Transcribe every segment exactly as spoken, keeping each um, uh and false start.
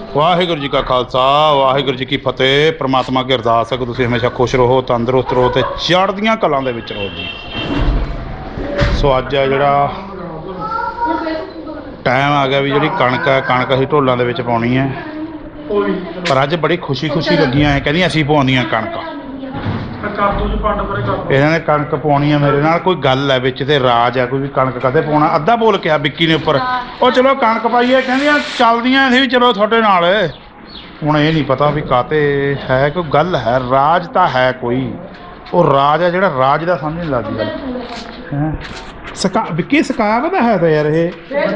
ਵਾਹਿਗੁਰੂ ਜੀ ਕਾ ਖਾਲਸਾ ਵਾਹਿਗੁਰੂ ਜੀ ਕੀ ਫਤਿਹ। ਪ੍ਰਮਾਤਮਾ ਅੱਗੇ ਅਰਦਾਸ ਹੈ ਕਿ ਤੁਸੀਂ ਹਮੇਸ਼ਾ ਖੁਸ਼ ਰਹੋ, ਤੰਦਰੁਸਤ ਰਹੋ ਤੇ ਚੜ੍ਹਦੀਆਂ ਕਲਾਂ ਦੇ ਵਿੱਚ ਰਹੋ ਜੀ। ਸੋ ਅੱਜ ਆ ਜਿਹੜਾ ਟਾਈਮ ਆ ਗਿਆ ਵੀ ਜਿਹੜੀ ਕਣਕ ਹੈ, ਕਣਕ ਅਸੀਂ ਢੋਲਾਂ ਦੇ ਵਿੱਚ ਪਾਉਣੀ ਹੈ। ਪਰ ਅੱਜ ਬੜੀ ਖੁਸ਼ੀ ਖੁਸ਼ੀ ਲੱਗੀਆਂ ਹੈ, ਕਹਿੰਦੀਆਂ ਅਸੀਂ ਪਾਉਂਦੀਆਂ ਕਣਕ। ਇਹਨਾਂ ਨੇ ਕਣਕ ਪਾਉਣੀ ਹੈ ਮੇਰੇ ਨਾਲ। ਕੋਈ ਗੱਲ ਹੈ ਵਿੱਚ ਤੇ ਰਾਜ ਹੈ ਕੋਈ ਵੀ ਕਣਕ ਕਦੇ ਪਾਉਣਾ। ਅੱਧਾ ਬੋਲ ਕਿਹਾ ਵਿੱਕੀ ਨੇ ਉੱਪਰ, ਉਹ ਚਲੋ ਕਣਕ ਪਾਈਏ, ਕਹਿੰਦੀਆਂ ਚੱਲਦੀਆਂ ਅਸੀਂ ਵੀ ਚਲੋ ਤੁਹਾਡੇ ਨਾਲ। ਹੁਣ ਇਹ ਨਹੀਂ ਪਤਾ ਵੀ ਕਾਤੇ ਹੈ, ਕੋਈ ਗੱਲ ਹੈ, ਰਾਜ ਤਾਂ ਹੈ ਕੋਈ। ਉਹ ਰਾਜ ਹੈ ਜਿਹੜਾ ਰਾਜ ਦਾ ਸਮਝ ਨਹੀਂ ਲੱਗਦੀ ਗੱਲ ਹੈ। ਸਕਾ ਵਿੱਕੀ ਸਕਾਵ ਦਾ ਹੈ ਤਾਂ ਯਾਰ ਇਹ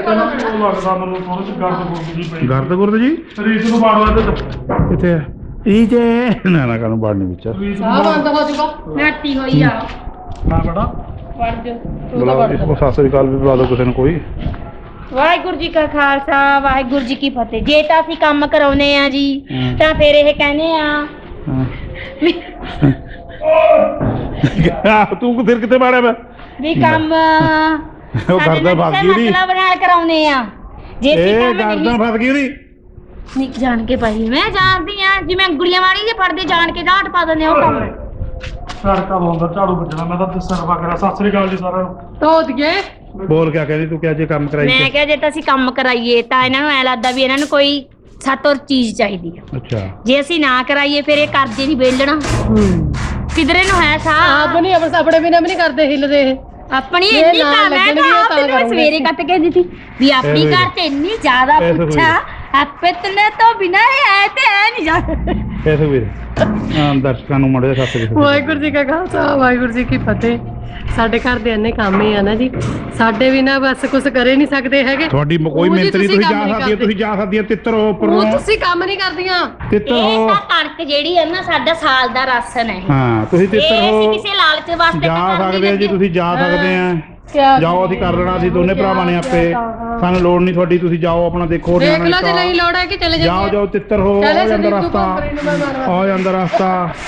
ਗਰਦ ਗੁਰਦ ਜੀ ਕਿੱਥੇ ਹੈ ਇਹ ਜੇ ਨਾ ਨਾ ਕਾਨੂੰ ਬਾੜਨੀ ਵਿੱਚ ਸਾਹ ਬੰਦ ਹੋ ਜੂਗਾ ਨਾਟੀ ਹੋਈ ਆ ਨਾ ਬੜਾ ਵੜ ਜੋ ਬੁਲਾ ਉਹ ਸਤਿ ਸ੍ਰੀ ਅਕਾਲ ਵੀ ਬੁਲਾ ਦਿਓ ਕਿਸੇ ਨੂੰ ਕੋਈ। ਵਾਹਿਗੁਰੂ ਜੀ ਕਾ ਖਾਲਸਾ ਵਾਹਿਗੁਰੂ ਜੀ ਕੀ ਫਤਿਹ। ਜੇ ਤਾਂ ਅਸੀਂ ਕੰਮ ਕਰਾਉਨੇ ਆ ਜੀ ਤਾਂ ਫਿਰ ਇਹ ਕਹਿੰਦੇ ਆ ਤੂੰ ਫਿਰ ਕਿੱਥੇ ਬਾੜਿਆ ਮੈਂ ਵੀ ਕੰਮ ਉਹ ਗਰਦਨ ਫਸ ਗਈ ਉਹਦੀ ਮਤਲਬ ਨਾਲ ਕਰਾਉਨੇ ਆ। ਜੇ ਅਸੀਂ ਕੰਮ ਗਰਦਨ ਫਸ ਗਈ ਉਹਦੀ ਨਿਕ ਜਾਣ ਕੇ ਭਾਈ ਮੈਂ ਜਾਣਦੀ ਆ ਜਿਵੇਂ ਗੁੜੀਆਂ ਵਾਲੀ ਦੇ ਫੜਦੇ ਜਾਣ ਕੇ ਗਾਂਠ ਪਾ ਦਿੰਦੇ ਉਹ ਕੰਮ ਸੜਕਾ ਲਾਉਂਦਾ ਝਾੜੂ ਵੱਜਣਾ। ਮੈਂ ਤਾਂ ਸਰਵਾ ਕਰਾਂ। ਸਤਿ ਸ੍ਰੀ ਅਕਾਲ ਜੀ ਸਾਰਿਆਂ ਨੂੰ। ਧੋਤ ਗਏ ਬੋਲ ਕਿਆ ਕਹਿੰਦੀ ਤੂੰ ਕਿ ਜੇ ਕੰਮ ਕਰਾਈ ਮੈਂ ਕਿਹਾ ਜੇ ਤਾਂ ਅਸੀਂ ਕੰਮ ਕਰਾਈਏ ਤਾਂ ਇਹਨਾਂ ਨੂੰ ਐ ਲੱਗਦਾ ਵੀ ਇਹਨਾਂ ਨੂੰ ਕੋਈ ਸਾਤੋਂ ਚੀਜ਼ ਚਾਹੀਦੀ ਆ। ਅੱਛਾ ਜੇ ਅਸੀਂ ਨਾ ਕਰਾਈਏ ਫਿਰ ਇਹ ਕਰਜ਼ੇ ਨਹੀਂ ਵੇਲਣਾ ਕਿਧਰੇ ਨੂੰ ਹੈ ਸਾ ਆਪ ਨਹੀਂ ਆਪਣੇ ਆਪਣੇ ਬਿਨਾਂ ਵੀ ਨਹੀਂ ਕਰਦੇ ਹਿੱਲਦੇ ਇਹ ਆਪਣੀ ਇੰਨੀ ਤਾਂ ਮੈਂ ਤਾਂ ਆਪ ਤੈਨੂੰ ਮੈਂ ਸਵੇਰੇ ਕੱਟ ਕੇ ਦਿੱਤੀ ਵੀ ਆਪਣੀ ਘਰ ਤੇ ਇੰਨੀ ਜ਼ਿਆਦਾ ਪੁੱਛਾ ਆਪੇ ਤਨੇ ਤੋਂ ਬਿਨਾਂ ਐ ਤੇ ਐ ਨਹੀਂ ਜਾ ਐਸੇ ਵੀਰ ਹਾਂ ਦਰਸ਼ਕਾਂ ਨੂੰ ਮੜੇ ਸਤਿ ਸ੍ਰੀ ਅਕਾਲ। ਵਾਹਿਗੁਰੂ ਜੀ ਕਾ ਖਾਲਸਾ ਵਾਹਿਗੁਰੂ ਜੀ ਕੀ ਫਤਿਹ। ਸਾਡੇ ਘਰ ਦੇ ਇੰਨੇ ਕੰਮ ਹੀ ਆ ਨਾ ਜੀ, ਸਾਡੇ ਵੀ ਨਾ ਬਸ ਕੁਝ ਕਰੇ ਨਹੀਂ ਸਕਦੇ ਹੈਗੇ। ਤੁਹਾਡੀ ਕੋਈ ਮਿਹਨਤ ਨਹੀਂ, ਤੁਸੀਂ ਜਾ ਸਕਦੀ ਤੁਸੀਂ ਜਾ ਸਕਦੀ ਹੈ ਤਿੱਤਰ ਹੋ ਉੱਪਰ ਉਹ ਤੁਸੀਂ ਕੰਮ ਨਹੀਂ ਕਰਦੀਆਂ। ਤਿੱਤਰ ਇਹ ਹੋ ਤਾਂ ਕਣਕ ਜਿਹੜੀ ਹੈ ਨਾ ਸਾਡਾ ਸਾਲ ਦਾ ਰਾਸ਼ਨ ਹੈ। ਹਾਂ ਤੁਸੀਂ ਤਿੱਤਰ ਇਹ ਹੋ ਅਸੀਂ ਕਿਸੇ ਲਾਲਚ ਵਾਸਤੇ ਜਾ ਸਕਦੇ ਆ ਜੀ, ਤੁਸੀਂ ਜਾ ਸਕਦੇ ਆ। ਜਾਓ ਅਸੀਂ ਕਰ ਲੈਣਾ, ਅਸੀਂ ਦੋਨੇ ਭਰਾਵਾਂ ਨੇ ਆਪੇ, ਸਾਨੂੰ ਲੋੜ ਨਹੀਂ ਤੁਹਾਡੀ। ਤੁਸੀਂ ਜਾਓ ਆਪਣਾ ਦੇਖੋ ਦੇਖ ਲਓ ਜੇ ਨਹੀਂ ਲੋੜ ਹੈ ਕਿ ਚਲੇ ਜਾਓ। ਜਾਓ ਜਾਓ ਤਿੱਤਰ ਹੋ, ਆ ਜਾਂਦਾ ਰਸਤਾ, ਆ ਜਾਂਦਾ ਰਸਤਾ।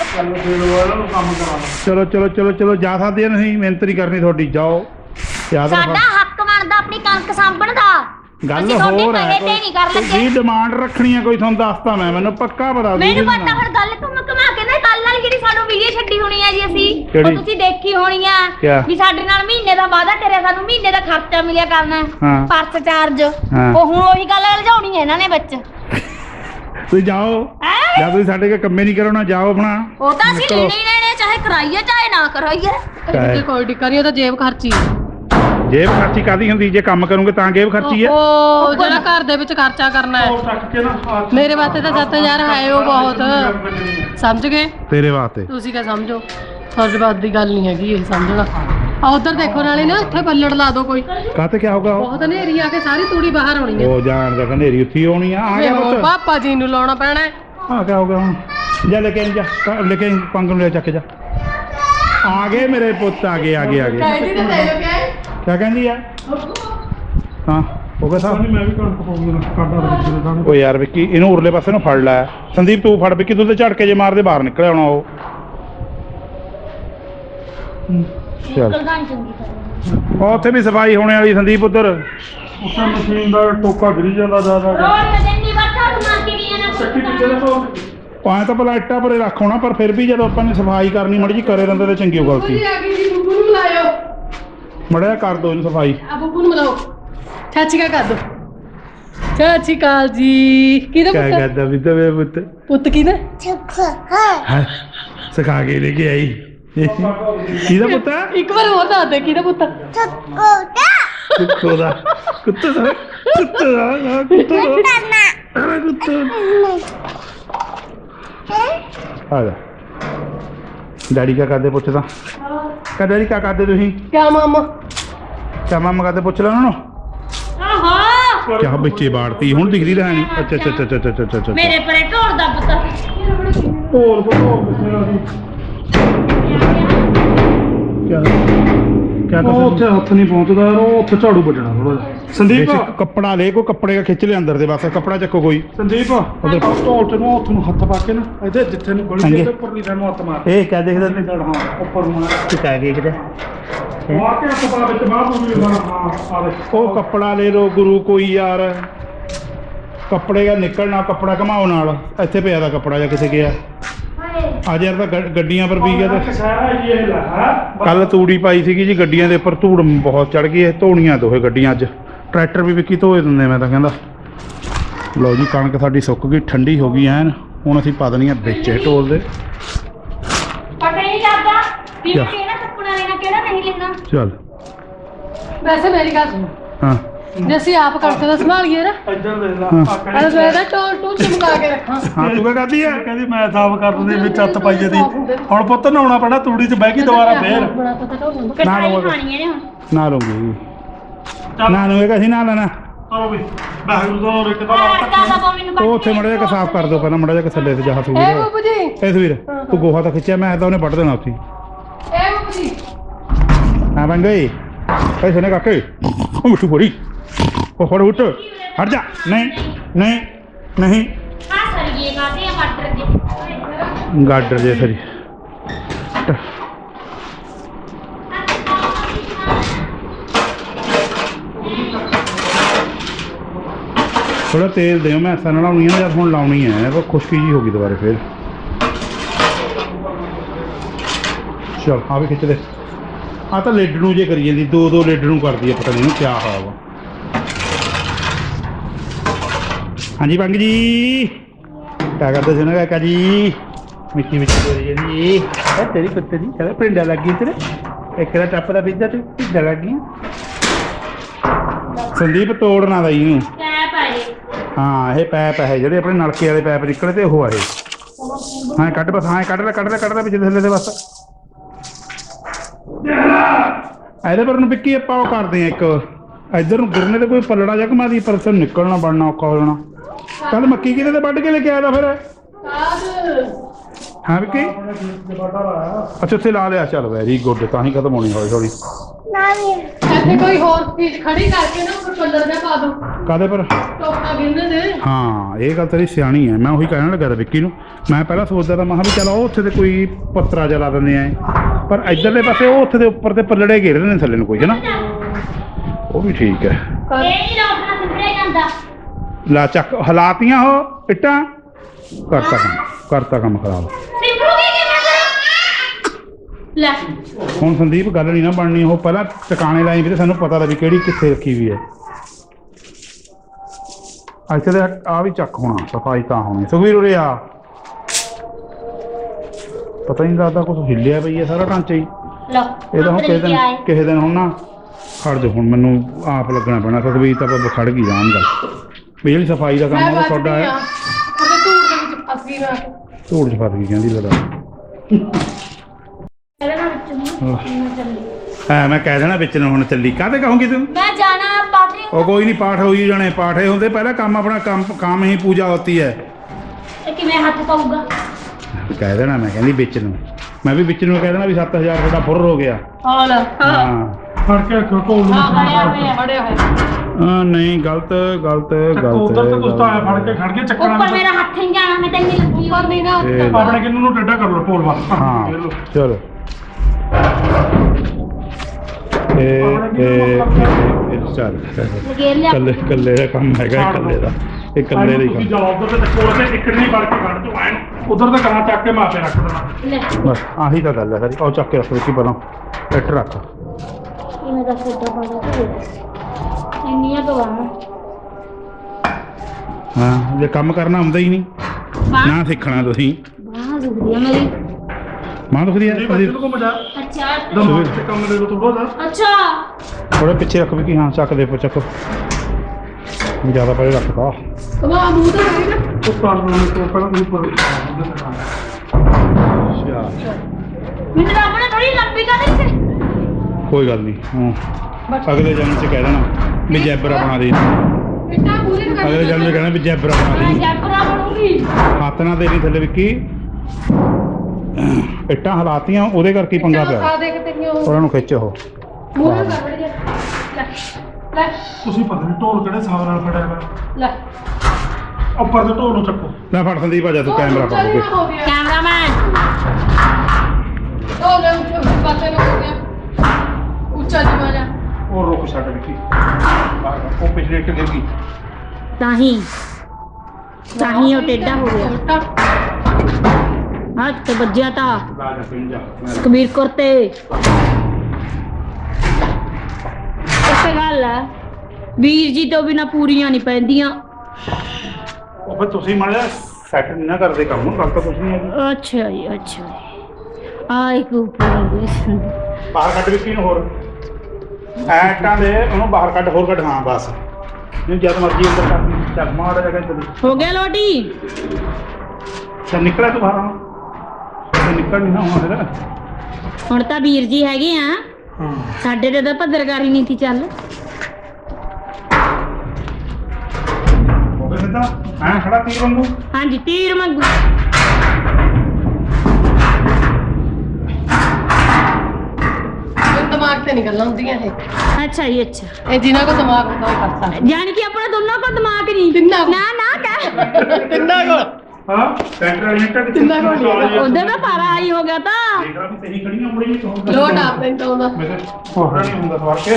ਚਲੋ ਚਲੋ ਚਲੋ ਚਲੋ ਜਾ ਸਕਦੇ ਆ, ਨਹੀਂ ਮਿਹਨਤ ਨਹੀਂ ਕਰਨੀ ਤੁਹਾਡੀ। ਜਾਓ ਸਾਡਾ ਹੱਕ ਬਣਦਾ ਆਪਣੀ ਕਣਕ ਸਾਂਭਣ ਦਾ। ਗੱਲ ਅਸੀਂ ਤੁਹਾਡੇ ਹੋਰ ਹੈ ਪੈਸੇ ਤੇ ਨਹੀਂ ਕਰ ਲੱਗੇ। ਕੀ ਡਿਮਾਂਡ ਰੱਖਣੀ ਹੈ ਕੋਈ ਤੁਹਾਨੂੰ ਦੱਸਤਾ ਮੈਂ, ਮੈਨੂੰ ਪੱਕਾ ਪਤਾ। ਮੈਨੂੰ ਪਤਾ ਹੁਣ ਗੱਲ ਘੁੰਮ ਘੁਮਾ ਕੇ ਨਾ ਕੱਲ ਵਾਲੀ ਜਿਹੜੀ ਸਾਨੂੰ ਵੀਡੀਓ ਛੱਡੀ ਹੋਣੀ ਆ ਜੀ ਅਸੀਂ ਉਹ ਤੁਸੀਂ ਦੇਖੀ ਹੋਣੀ ਆ ਵੀ ਸਾਡੇ ਨਾਲ ਮਹੀਨੇ ਦਾ ਵਾਅਦਾ ਕਰਿਆ, ਸਾਨੂੰ ਮਹੀਨੇ ਦਾ ਖਰਚਾ ਮਿਲਿਆ ਕਰਨਾ ਪਰਸ ਚਾਰਜ। ਉਹ ਹੁਣ ਉਹੀ ਗੱਲ ਲਜਾਉਣੀ ਹੈ ਇਹਨਾਂ ਨੇ ਵਿੱਚ। ਤੁਸੀਂ ਜਾਓ ਜਾਂ ਤੁਸੀਂ ਸਾਡੇ ਕੇ ਕੰਮੇ ਨਹੀਂ ਕਰਾਉਣਾ, ਜਾਓ ਆਪਣਾ। ਉਹ ਤਾਂ ਅਸੀਂ ਲੈਣੇ ਹੀ ਲੈਣੇ, ਚਾਹੇ ਕਰਾਈਏ ਚਾਹੇ ਨਾ ਕਰਾਈਏ। ਕੋਈ ਟਿੱਕਾ ਨਹੀਂ, ਉਹ ਤਾਂ ਜੇਬ ਖਰਚੀ ਜੇਬ ਖਰਚੀ ਕਾਦੀ ਹੁੰਦੀ? ਜੇ ਕੰਮ ਕਰੋਗੇ ਤਾਂ ਜੇਬ ਖਰਚੀ ਹੈ। ਉਹ ਜਿਹੜਾ ਘਰ ਦੇ ਵਿੱਚ ਖਰਚਾ ਕਰਨਾ ਹੈ ਮੇਰੇ ਵਾਸਤੇ ਤਾਂ ਸੱਤ ਹਜ਼ਾਰ ਹੈ ਉਹ ਬਹੁਤ। ਸਮਝ ਗਏ? ਤੇਰੇ ਵਾਸਤੇ ਤੁਸੀਂ ਕਿਆ ਸਮਝੋ? ਤੁਹਾਡੇ ਬਾਤ ਦੀ ਗੱਲ ਨਹੀਂ ਹੈਗੀ ਇਹ ਸਮਝਣਾ। ਆ ਉਧਰ ਦੇਖੋ ਨਾਲੇ ਨਾ ਇੱਥੇ ਪੱਲੜ ਲਾ ਦੋ ਕੋਈ। ਕਾਤੇ ਕੀ ਹੋਗਾ? ਬਹੁਤ ਹਨੇਰੀ ਆ ਕੇ ਸਾਰੀ ਤੂੜੀ ਬਾਹਰ ਆਉਣੀ ਹੈ। ਉਹ ਜਾਣ ਦਾ ਹਨੇਰੀ ਉੱਥੀ ਆਉਣੀ ਆ। ਆ ਗਿਆ ਪੁੱਤ, ਪਾਪਾ ਜੀ ਨੂੰ ਲਾਉਣਾ ਪੈਣਾ ਹੈ। ਆ ਕਿਆ ਹੋ ਗਿਆ ਹੁਣ? ਜਾ ਲੈ ਕੇ ਜਾ, ਲੈ ਕੇ ਪੰਗ ਨੂੰ ਲੈ ਚੱਕ ਜਾ। ਆ ਗਏ ਮੇਰੇ ਪੁੱਤ, ਆ ਗਏ ਆ ਗਏ ਆ ਗਏ। ਕਿਆ ਕਹਿੰਦੀ ਆ? ਹਾਂ ਹੋ ਗਿਆ ਸਾਹਿਬ। ਮੈਂ ਵੀ ਕਣਕ ਪਾਉਂਦਾ। ਉਹ ਯਾਰ ਵਿੱਕੀ ਇਹਨੂੰ ਉਰਲੇ ਪਾਸੇ ਨੂੰ ਫੜ ਲੈ। ਸੰਦੀਪ ਤੂੰ ਫੜ ਵਿੱਕੀ, ਤੂੰ ਤੇ ਝੜ ਕੇ ਜੇ ਮਾਰਦੇ ਬਾਹਰ ਨਿਕਲ ਆਉਣਾ ਉਹ। ਚੱਲ ਉਹ ਉੱਥੇ ਵੀ ਸਫਾਈ ਹੋਣੇ ਵਾਲੀ ਸੰਦੀਪ ਉਧਰ। ਉੱਥੇ ਮਸ਼ੀਨ ਦਾ ਟੋਕਾ ਗਿਰੀ ਜਾਂਦਾ ਜ਼ਿਆਦਾ। ਰੋਜ਼ ਜਿੰਨੀ ਵਾਰ ਮਾਰ ਕੇ ਗਈਆਂ ਨਾ ਚੱਕੀ ਪਿੱਛੇ ਦੇਖੋ। ਪਾਏ ਤਾਂ ਭਲਾ ਇੱਟਾਂ ਭਰੇ ਰੱਖ ਹੋਣਾ, ਪਰ ਫਿਰ ਵੀ ਜਦੋਂ ਆਪਾਂ ਨੇ ਸਫਾਈ ਕਰਨੀ ਮੜੀ ਜੀ ਕਰੇ ਰਹਿੰਦੇ ਤਾਂ ਚੰਗੀ ਗੱਲ ਸੀ। ਆ ਗਈ ਜੀ, ਬੁੱਬੂ ਨੂੰ ਬੁਲਾਇਓ। ਮੜਿਆ ਕਰ ਦੋ ਇਹਨੂੰ ਸਫਾਈ। ਆ ਬੁੱਬੂ ਨੂੰ ਬੁਲਾਓ। ਚਾਚੀ ਕਾ ਕਰ ਦੋ। ਚਾਚੀ ਕਾਲ ਜੀ। ਕਿਹਦਾ ਕਿਆ ਪੁੱਤ? ਕਰਦਾ ਵੀ ਤੇ ਪੁੱਤ ਪੁੱਤ ਕਿਹਦਾ? ਹਾਂ ਸਿਖਾ ਕੇ ਲੈ ਕੇ ਆਈ। ਕਿਹਦਾ ਪੁੱਤ ਹੈ? ਇੱਕ ਵਾਰ ਹੋਰ ਦੱਸ ਦੇ ਕਿਹਦਾ ਪੁੱਤ? ਕੁੱਤੇ ਦਾ ਕੁੱਤੇ ਦਾ ਕੁੱਤੇ ਦਾ ਕੁੱਤੇ ਦਾ ਅਰੇ ਕੁੱਤੇ ਆ ਜਾ। ਡੈਡੀ ਕਿਆ ਕਰਦੇ ਪੁੱਛਦਾ? ਕਾ ਡੈਡੀ ਕਿਆ ਕਰਦੇ ਤੁਸੀਂ? ਕਿਆ ਮਾਮਾ? ਕਿਆ ਮਾਮਾ ਕਰਦੇ ਪੁੱਛ ਲੈ ਉਹਨਾਂ ਨੂੰ। ਆਹੋ ਕਿਆ ਵਿੱਚੇ ਬਾੜਤੀ ਹੁਣ ਦਿਖਦੀ ਤਾਂ ਨਹੀਂ। ਅੱਛਾ ਅੱਛਾ ਅੱਛਾ ਅੱਛਾ ਅੱਛਾ ਅੱਛਾ ਮੇਰੇ ਪਰੇ ਢੋਲ ਦਾ ਪੁੱਤ। ਹੋਰ ਕੋਈ ਕਿਆ ਕਿਆ ਉਹ ਉੱਥੇ ਹੱਥ ਨਹੀਂ ਪਹੁੰਚਦਾ, ਉਹ ਉੱਥੇ ਝਾੜੂ ਵੱਜਣਾ ਥੋੜਾ ਜਿਹਾ। ਸੰਦੀਪ ਕੱਪੜਾ ਲੈ, ਕੋਈ ਕੱਪੜੇ ਦਾ ਖਿੱਚ ਲਿਆ ਅੰਦਰ ਦੇ ਬਸ। ਕੱਪੜਾ ਚੱਕੋ ਕੋਈ। ਸੰਦੀਪ ਉਧਰ ਢੋਲ ਚ ਨੂੰ ਹੱਥ ਨੂੰ ਹੱਥ ਪਾ ਕੇ ਨਾ ਇਹਦੇ ਜਿੱਥੇ ਨੂੰ ਗੋਲੀ ਦੇ ਉੱਪਰ ਨਹੀਂ ਸਾਨੂੰ ਹੱਥ ਮਾਰ। ਇਹ ਕਿਆ ਦੇਖਦਾ ਤੂੰ? ਹਾਂ ਉੱਪਰ ਨੂੰ ਤੂੰ ਕਿਆ ਦੇਖਦਾ? ਮਾਰ ਕੇ ਹੱਥ ਪਾ ਵਿੱਚ ਬਾਹਰ ਨੂੰ ਵੀ ਹਾਂ ਆ ਦੇ। ਉਹ ਕੱਪੜਾ ਲੈ ਲੋ ਗੁਰੂ ਕੋਈ ਯਾਰ। ਕੱਪੜੇ ਦਾ ਨਿਕਲਣਾ ਕੱਪੜਾ ਘਮਾਓ ਨਾਲ ਇੱਥੇ ਪਿਆ ਦਾ ਕੱਪੜਾ ਜਾਂ ਕਿੱਥੇ ਗਿਆ ਅੱਜ ਯਾਰ ਤਾਂ ਗ- ਗੱਡੀਆਂ ਪਰ ਵੀ ਗਿਆ ਤਾਂ ਸਾਰਾ ਇਹ ਲਾ ਕੱਲ ਤੂੜੀ ਪਾਈ ਸੀਗੀ ਜੀ ਗੱਡੀਆਂ ਦੇ ਉੱਪਰ ਧੂੜ ਬਹੁਤ ਚੜ ਗਈ ਹੈ ਧੋਣੀਆਂ ਦੋਹੇ ਗੱਡੀਆਂ ਅੱਜ ਟਰੈਕਟਰ ਵੀ ਵਿੱਕੀ ਧੋਏ ਦਿੰਦੇ ਮੈਂ ਤਾਂ ਕਹਿੰਦਾ ਲਓ ਜੀ ਕਣਕ ਸਾਡੀ ਸੁੱਕ ਗਈ ਠੰਡੀ ਹੋ ਗਈ ਐਨ ਹੁਣ ਅਸੀਂ ਪਾ ਦੇਣੀ ਆ ਵਿੱਚ ਇਹ ਢੋਲ ਦੇ ਪਤਾ ਨਹੀਂ ਲੱਗਦਾ ਵੀ ਕਿਆ? ਕਿਹੜਾ ਕੱਪੜਾ ਲੈਣਾ ਕਿਹੜਾ ਨਹੀਂ ਲੈਣਾ ਚੱਲ ਵੈਸੇ ਮੇਰੀ ਗੱਲ ਸੁਣ ਹਾਂ ਜੇ ਅਸੀਂ ਆਪ ਕਣਕ ਦਾ ਸੰਭਾਲੀਏ ਨਾ ਇੱਧਰ ਦੇ ਲਾ ਹਾਂ। ਆ ਅਰੇ ਕਹਿੰਦੀ ਮੈਂ ਤਾਂ ਟੋਲ ਟੂਲ ਚਮਕਾ ਕੇ ਰੱਖਾਂ ਹਾਂ ਤੂੰ ਕਿਆ ਕਰਦੀ ਆ ਕਹਿੰਦੀ ਮੈਂ ਸਾਫ ਕਰ ਦਿੰਦੀ ਵਿੱਚ ਹੱਥ ਪਾਈਏ ਦੀ ਹੁਣ ਪੁੱਤ ਨਹਾਉਣਾ ਪੈਣਾ ਤੂੜੀ 'ਚ ਬਹਿ ਕੇ ਦੁਬਾਰਾ ਫੇਰ ਬਣਾ ਪਤਾ ਢੋਲ ਨੂੰ ਕਟਾਈ ਲਵਾਂਗਾ। ਖਾਣੀ ਇਹਨੇ ਹੁਣ ਨਾ ਲਊਂਗੀ ਚੱਲ ਨਾ ਲਊਂਗਾ ਅਸੀਂ ਨਾ ਲੈਣਾ ਚਲੋ ਵੀ ਵਾਹਿਗੁਰੂ ਦਾ ਇੱਕ ਤਾਂ ਐ ਕਾਦਾ ਪਾ ਮੈਨੂੰ ਉਹ ਉੱਥੇ ਮੜਾ ਜਿਹਾ ਸਾਫ਼ ਕਰ ਦਿਓ ਪਹਿਲਾਂ ਮੜਾ ਜਿਹਾ ਥੱਲੇ ਤੇ ਜਾ ਹੱਥ ਏ ਬਾਬੂ ਜੀ ਇਸ ਵੀਰ ਤੂੰ ਗੋਹਾ ਤਾਂ ਖਿੱਚਿਆ ਮੈਂ ਤਾਂ ਉਹਨੇ ਵੱਢ ਦੇਣਾ ਉੱਥੇ ਏ ਬਾਬੂ ਜੀ ਹਾਂ ਬਣ ਗਈ ਪੈਸੇ ਨੇ ਕਾਕੇ ਉਹ ਮਿੱਠੂ ਬੋਰੀ ਉਹ ਫੜ ਉੱਠ ਹਟ ਜਾ ਨਹੀਂ ਨਹੀਂ ਨਹੀਂ ਆ ਸਰੀਏ ਕਾਦੇ ਆ ਮਟਰ ਦੇ ਗਾਡਰ ਜੇ ਸਰੀ ਥੋੜਾ ਤੇਲ ਦਿਓ ਮੈਂ ਐਸਾ ਨਾ ਲਾਉਣੀ ਹੈ ਜਦ ਹੁਣ ਲਾਉਣੀ ਹੈ ਉਹ ਖੁਸ਼ਕੀ ਜੀ ਹੋ ਗਈ ਦੁਬਾਰਾ ਫੇਰ ਚਲ ਆ ਵੀ ਖਿੱਚ ਦੇ ਆ ਤਾਂ ਲਿਡ ਨੂੰ ਜੇ ਕਰੀ ਜਾਂਦੀ ਦੋ ਦੋ ਲਿਡ ਨੂੰ ਕਰਦੀ ਹੈ ਪਤਾ ਨਹੀਂ ਇਹਨੂੰ ਕਿਆ ਹੋਇਆ ਵਾ ਹਾਂਜੀ ਬੰਗ ਜੀ ਕਿਆ ਕਰਦੇ ਸੀ ਨਾ ਕਾਕਾ ਜੀ ਮਿੱਟੀ ਮਿੱਟੀ ਹੋ ਰਹੀ ਹੈ ਜੀ ਇਹ ਤੇਰੀ ਕੁੱਤੇ ਦੀ ਕਹਿੰਦਾ ਪਿੰਡਾ ਲੱਗੀ ਤੇਰੇ ਇੱਕ ਦਾ ਟੱਪ ਦਾ ਪਿੱਜਾ ਤੇ ਪਿੰਡਾ ਲੱਗ ਗਈ ਸੰਦੀਪ ਤੋੜਨਾ ਦਾ ਇਹਨੂੰ ਕੈਪ ਆ ਇਹ ਹਾਂ ਇਹ ਪੈਪ ਹੈ ਜਿਹੜੇ ਆਪਣੇ ਨਲਕੇ ਵਾਲੇ ਪੈਪ ਨਿਕਲੇ ਤੇ ਉਹ ਆ ਇਹ ਹਾਂ ਕੱਢ ਬਸ ਹਾਂ ਕੱਢ ਲੈ ਕੱਢ ਲੈ ਕੱਢ ਲੈ ਵਿੱਚ ਥੱਲੇ ਤੇ ਬਸ ਇਹਦੇ ਪਰ ਨੂੰ ਵਿੱਕੀ ਆਪਾਂ ਉਹ ਕਰਦੇ ਆ ਇੱਕ ਇੱਧਰ ਨੂੰ ਗਿਰਨੇ ਤੇ ਕੋਈ ਪੱਲੜਾ ਜਾਂ ਘਮਾ ਦੀ ਪਰਸਨ ਨਿਕਲਣਾ ਬਣਨਾ ਔਖਾ ਹੋ ਜਾਣਾ ਕੱਲ ਮੱਕੀ ਕਿਤੇ ਤੇ ਵੱਢ ਕੇ ਲੈ ਕੇ ਆਇਆ ਫਿਰ ਹਾਂ ਵਿੱਕੀ ਅੱਛਾ ਉੱਥੇ ਲਾ ਲਿਆ ਚੱਲ ਵੈਰੀ ਗੁੱਡ ਤਾਂ ਹੀ ਖਤਮ ਹੋਣੀ ਹੌਲੀ ਹੌਲੀ ਇੱਥੇ ਕੋਈ ਹੋਰ ਚੀਜ਼ ਖੜੀ ਕਰਕੇ ਨਾ ਉੱਪਰ ਕਲਰ ਦਾ ਪਾ ਦੋ ਕਾਦੇ ਪਰ ਟੋਕਾ ਗਿਰਨ ਦੇ ਹਾਂ ਇਹ ਗੱਲ ਤੇਰੀ ਸਿਆਣੀ ਹੈ ਮੈਂ ਉਹੀ ਕਹਿਣ ਲੱਗਾ ਤਾ ਵਿੱਕੀ ਨੂੰ ਮੈਂ ਪਹਿਲਾਂ ਸੋਚਦਾ ਤਾਂ ਮੈਂ ਕਿਹਾ ਵੀ ਚਲ ਉਹ ਉੱਥੇ ਤੇ ਕੋਈ ਪੱਤਰਾ ਜਲਾ ਦਿੰਦੇ ਆ ਪਰ ਇੱਧਰਲੇ ਪਾਸੇ ਉਹ ਉੱਥੇ ਦੇ ਉੱਪਰ ਤੇ ਪੱਲੜੇ ਘੇਰ ਰਹੇ ਨੇ ਥੱਲੇ ਨੂੰ ਕੋਈ ਹੈ ਨਾ ਉਹ ਵੀ ਠੀਕ ਹੈ ਇਹ ਨਹੀਂ ਰੋਕਣਾ ਸਿੱਧੇ ਜਾਂਦਾ ਲਾ ਚੱਕ ਹਲਾਤੀਆਂ ਉਹ ਇੱਟਾਂ ਕਰਤਾ ਕੰਮ ਕਰਤਾ ਕੰਮ ਖਰਾਬ ਸਿੰਪਲੂਗੀ ਕਿਵੇਂ ਕਰਾਂ ਲੈ ਹੁਣ ਸੰਦੀਪ ਗੱਲ ਨਹੀਂ ਨਾ ਬਣਨੀ ਉਹ ਪਹਿਲਾਂ ਟਿਕਾਣੇ ਲਾਈ ਵੀ ਤੇ ਸਾਨੂੰ ਪਤਾ ਲੱਗੀ ਕਿਹੜੀ ਕਿੱਥੇ ਰੱਖੀ ਵੀ ਹੈ ਇੱਥੇ ਤੇ ਆ ਵੀ ਚੱਕ ਹੋਣਾ ਸਫਾਈ ਤਾਂ ਹੋਣੀ ਸੁਖਵੀਰ ਉਰੇ ਆ ਪਤਾ ਹੀ ਨਹੀਂ ਲੱਗਦਾ ਕੁਝ ਹਿੱਲਿਆ ਪਈ ਹੈ ਸਾਰਾ ਢਾਂਚਾ ਹੀ ਲੋ ਇਹਦਾ ਹੁਣ ਕਿਸੇ ਦਿਨ ਕਿਸੇ ਦਿਨ ਹੁਣ ਨਾ ਖੜ ਜਾ ਹੁਣ ਮੈਨੂੰ ਆਪ ਲੱਗਣਾ ਪੈਣਾ ਸੁਖਵੀਰ ਤਾਂ ਆਪਾਂ ਖੜ ਗਈ ਜਾਣ ਗੱਲ ਵੀ ਜਿਹੜੀ ਸਫਾਈ ਦਾ ਕੰਮ ਉਹ ਤੁਹਾਡਾ ਹੈ ਉਹਦੇ ਧੂੜ ਦੇ ਵਿੱਚ ਫਸ ਗਈ ਮੈਂ ਧੂੜ ਚ ਫਸ ਗਈ ਕਹਿੰਦੀ ਲੜਾ ਇਹਦੇ ਨਾਲ ਵਿੱਚ ਨੂੰ ਚੱਲੀ ਐ ਮੈਂ ਕਹਿ ਦੇਣਾ ਵਿੱਚ ਨੂੰ ਹੁਣ ਚੱਲੀ ਕਾਹਤੇ ਕਹੂੰਗੀ ਤੂੰ ਮੈਂ ਜਾਣਾ ਬਾਥਰੂਮ ਉਹ ਕੋਈ ਨਹੀਂ ਪਾਠ ਹੋਈ ਜਾਣੇ ਪਾਠੇ ਹੁੰਦੇ ਪਹਿਲਾਂ ਕੰਮ ਆਪਣਾ ਕੰਮ ਕੰਮ ਹੀ ਪੂਜਾ ਹੁੰਦੀ ਹੈ ਇਹ ਕਿਵੇਂ ਹੱਥ ਪਾਊਗਾ ਕਹਿ ਦੇਣਾ ਮੈਂ ਕਹਿੰਦੀ ਵਿੱਚ ਨੂੰ ਮੈਂ ਵੀ ਵਿੱਚ ਨੂੰ ਕਹਿ ਦੇਣਾ ਵੀ ਸੱਤ ਹਜ਼ਾਰ ਤੁਹਾਡਾ ਫੁਰ ਹੋ ਗਿਆ ਹਾਲ ਹਾਂ ਫੜ ਕੇ ਰੱਖੋ ਢੋਲ ਨੂੰ ਹਾਂ ਬੜਿਆ ਹੋਇਆ ਬੜਿਆ ਹੋਇਆ ਹਾਂ ਨਹੀਂ ਗਲਤ ਗਲਤ ਗਲਤ ਉਧਰ ਤੇ ਕੁਛ ਤਾਂ ਆਇਆ ਫੜ ਕੇ ਖੜ ਕੇ ਚੱਕਣਾ ਉੱਪਰ ਮੇਰਾ ਹੱਥ ਨਹੀਂ ਜਾਣਾ ਮੈਂ ਤਾਂ ਇੰਨੀ ਲੱਗੀ ਉੱਪਰ ਨਹੀਂ ਨਾ ਇਹ- ਆਪਣੇ ਕਿੰਨੂ ਨੂੰ ਟੇਢਾ ਕਰ ਲਓ ਢੋਲ ਵਾ ਹਾਂ ਚਲੋ ਇਹ ਇਹ ਇਹ ਚੱਲ ਲਗੇਰ ਲਿਆ ਕੱਲੇ ਕੱਲੇ ਦਾ ਕੰਮ ਹੈਗਾ ਇਹ ਕੱਲੇ ਦਾ ਇਹ ਕੱਲੇ ਦਾ ਹੀ ਤੁਸੀਂ ਕੰਮ ਜਾਓ ਉਧਰ ਤੇ ਕੋਲ ਤੇ ਇੱਕ ਨਹੀਂ ਫੜ ਕੇ ਕੱਢ ਦਿਓ ਐਨ ਉਧਰ ਤੇ ਕਰਾਂ ਚੱਕ ਕੇ ਮਾਪੇ ਰੱਖ ਦੇਣਾ ਲੈ ਬਸ ਆਹੀ ਤਾਂ ਗੱਲ ਹੈ ਸਾਰੀ ਉਹ ਚੱਕ ਕੇ ਰੱਖ ਵਿੱਕੀ ਪਹਿਲਾਂ ਇੱਟ ਰੱਖ ਇਹਨੇ ਦਾ ਫੋਟੋ ਪਾਣਾ ਤੇ ਇੰਨੀਆਂ ਤੋਂ ਵਾਂ ਹਾਂ ਜੇ ਕੰਮ ਕਰਨਾ ਆਉਂਦਾ ਹੀ ਨਹੀਂ ਬਾਹ ਨਾ ਸਿੱਖਣਾ ਤੁਸੀਂ ਬਾਹ ਦੁਖਦੀ ਆ ਮੇਰੀ ਮਾਂ ਦੁਖਦੀ ਹੈ ਨਹੀਂ ਬੱਚੇ ਨੂੰ ਘੁੰਮ ਜਾ ਅੱਛਾ ਦਿਮਾਗ ਤੇ ਕੰਮ ਦੇ ਲੋ ਥੋੜਾ ਜਿਹਾ ਅੱਛਾ ਥੋੜਾ ਪਿੱਛੇ ਰੱਖ ਵੀ ਕਿ ਹਾਂ ਚੱਕ ਦੇ ਪਰ ਚੱਕ ਜਿਆਦਾ ਪਹਿਲੇ ਰੱਖਦਾ ਕਮਾ ਮੂੰਹ ਤਾਂ ਹੈ ਨਾ ਉਹ ਕਰ ਨੂੰ ਤੋਂ ਪਹਿਲਾਂ ਨੂੰ ਪਰ ਮੈਨੂੰ ਤਾਂ ਆਪਣੇ ਥੋੜੀ ਲੰਬੀ ਕਰ ਰਹੀ ਸੀ ਕੋਈ ਗੱਲ ਨਹੀਂ ਹਾਂ ਅਗਲੇ ਜਨਮ ਚ ਕਹਿ ਦੇਣਾ ਵੀ ਜੈਬਰਾ ਬਣਾ ਦੇ ਇੱਟਾਂ ਪੂਰੀ ਨੂੰ ਅਗਲੇ ਜਨਮ ਚ ਕਹਿਣਾ ਵੀ ਜੈਬਰਾ ਬਣਾ ਮੈਂ ਦੇ ਜੈਪਰਾ ਬਣੂਗੀ ਹੱਥ ਨਾਲ ਦੇ ਨਹੀਂ ਥੱਲੇ ਵਿੱਕੀ ਇੱਟਾਂ ਹਲਾਤੀਆਂ ਉਹਦੇ ਕਰਕੇ ਹੀ ਪੰਗਾ ਪਿਆ ਆ ਦੇਖ ਤੇਰੀਆਂ ਉਹ ਉਹਨਾਂ ਨੂੰ ਖਿੱਚ ਉਹ ਮੂੰਹ ਨੂੰ ਕਰ ਬੜੀ ਲੈ ਲੈ ਤੁਸੀਂ ਪਤਾ ਨਹੀਂ ਢੋਲ ਕਿਹੜੇ ਹਿਸਾਬ ਨਾਲ ਫੜਿਆ ਵਾ ਲੈ ਉੱਪਰ ਤੇ ਢੋਲ ਨੂੰ ਚੱਕੋ ਲੈ ਫੜ ਸੰਦੀਪ ਆ ਜਾ ਤੂੰ ਕੈਮਰਾ ਫੜ ਕੇ ਹੋ ਗਿਆ ਕੈਮਰਾਮੈਨ ਉਹ ਲੈ ਉੱਚਾ ਪਾਸੇ ਨੂੰ ਹੋ ਗਿਆ ਉੱਚਾ ਜਿਹਾ ਜਾ ਉਹ ਰੁਕ ਛੱਡ ਵਿੱਕੀ ਉਹ ਪਿਛਲੇ ਇੱਕ ਗਿਰ ਗਈ ਤਾਂ ਹੀ ਤਾਂ ਹੀ ਉਹ ਟੇਢਾ ਹੋ ਗਿਆ ਉਲਟਾ ਹੱਥ ਤੇ ਵੱਜਿਆ ਤਾਂ ਲਾ ਜਾ ਪਿੰਡ ਜਾ ਕਬੀਰ ਕੁਰਤੇ ਇੱਕ ਗੱਲ ਹੈ ਵੀਰ ਜੀ ਤੋਂ ਬਿਨਾ ਪੂਰੀਆਂ ਨਹੀਂ ਪੈਂਦੀਆਂ ਉਹ ਫਿਰ ਤੁਸੀਂ ਮਾੜਾ ਸੈੱਟ ਨਹੀਂ ਨਾ ਕਰਦੇ ਕੰਮ ਗੱਲ ਤਾਂ ਕੁਝ ਨਹੀਂ ਹੈਗੀ ਅੱਛਾ ਜੀ ਅੱਛਾ ਜੀ ਆਈ ਕੂਪਰ ਬਾਹਰ ਕੱਢ ਵਿੱਕੀ ਨੂੰ ਹੋਰ ਐਟਾਂ ਦੇ ਉਹਨੂੰ ਬਾਹਰ ਕੱਢ ਹੋਰ ਕੱਢ ਹਾਂ ਬਸ ਨਹੀਂ ਜਦ ਮਰਜੀ ਅੰਦਰ ਕਰ ਚੱਲ ਮਾੜਾ ਜਗ੍ਹਾ ਚੱਲ ਹੋ ਗਿਆ ਲੋਟੀ ਚੱਲ ਨਿਕਲਿਆ ਤੂੰ ਬਾਹਰ ਤੇ ਨਿਕਲ ਨਹੀਂ ਨਾ ਹੁਣ ਫਿਰ ਹੁਣ ਤਾਂ ਵੀਰ ਜੀ ਹੈਗੇ ਆ ਹਾਂ ਸਾਡੇ ਤੇ ਤਾਂ ਭੱਦਰਕਾਰੀ ਨਹੀਂ ਸੀ ਚੱਲ ਹੋ ਗਿਆ ਸਿੱਧਾ ਹਾਂ ਖੜਾ ਤੀਰ ਵਾਂਗੂ ਹਾਂਜੀ ਤੀਰ ਮੰਗੂ ਮੇਰੇ ਦਿਮਾਗ ਤੇ ਨਹੀਂ ਗੱਲਾਂ ਹੁੰਦੀਆਂ ਇਹ ਅੱਛਾ ਜੀ ਅੱਛਾ ਇਹ ਜਿਨ੍ਹਾਂ ਕੋ ਦਿਮਾਗ ਹੁੰਦਾ ਉਹ ਕਰ ਸਕਦੇ ਜਾਣੀ ਕਿ ਆਪਣਾ ਦੋਨੋਂ ਕੋ ਦਿਮਾਗ ਨਹੀਂ ਤਿੰਨਾਂ ਕੋਲ। ਨਾ ਨਾ ਕਹਿ ਤਿੰਨਾਂ ਕੋਲ ਹਾਂ ਸੈਂਟਰ ਯੂਨਿਟ ਤਿੰਨਾਂ ਕੋਲ ਨਹੀਂ ਹੈਗਾ। ਉਹਦੇ ਦਾ ਪਾਰਾ ਆਈ ਹੋ ਗਿਆ ਤਾਂ ਦੇਖ ਲਾ ਵੀ ਸਹੀ ਖੜੀਆਂ ਮੁੜੀ ਨਹੀਂ ਤੋਂ ਲੋਟ ਆਪ ਨਹੀਂ ਤਾਂ ਉਹਦਾ ਮੇਰੇ ਹੋਰਾ ਨਹੀਂ ਹੁੰਦਾ ਸਵਾਰ ਕੇ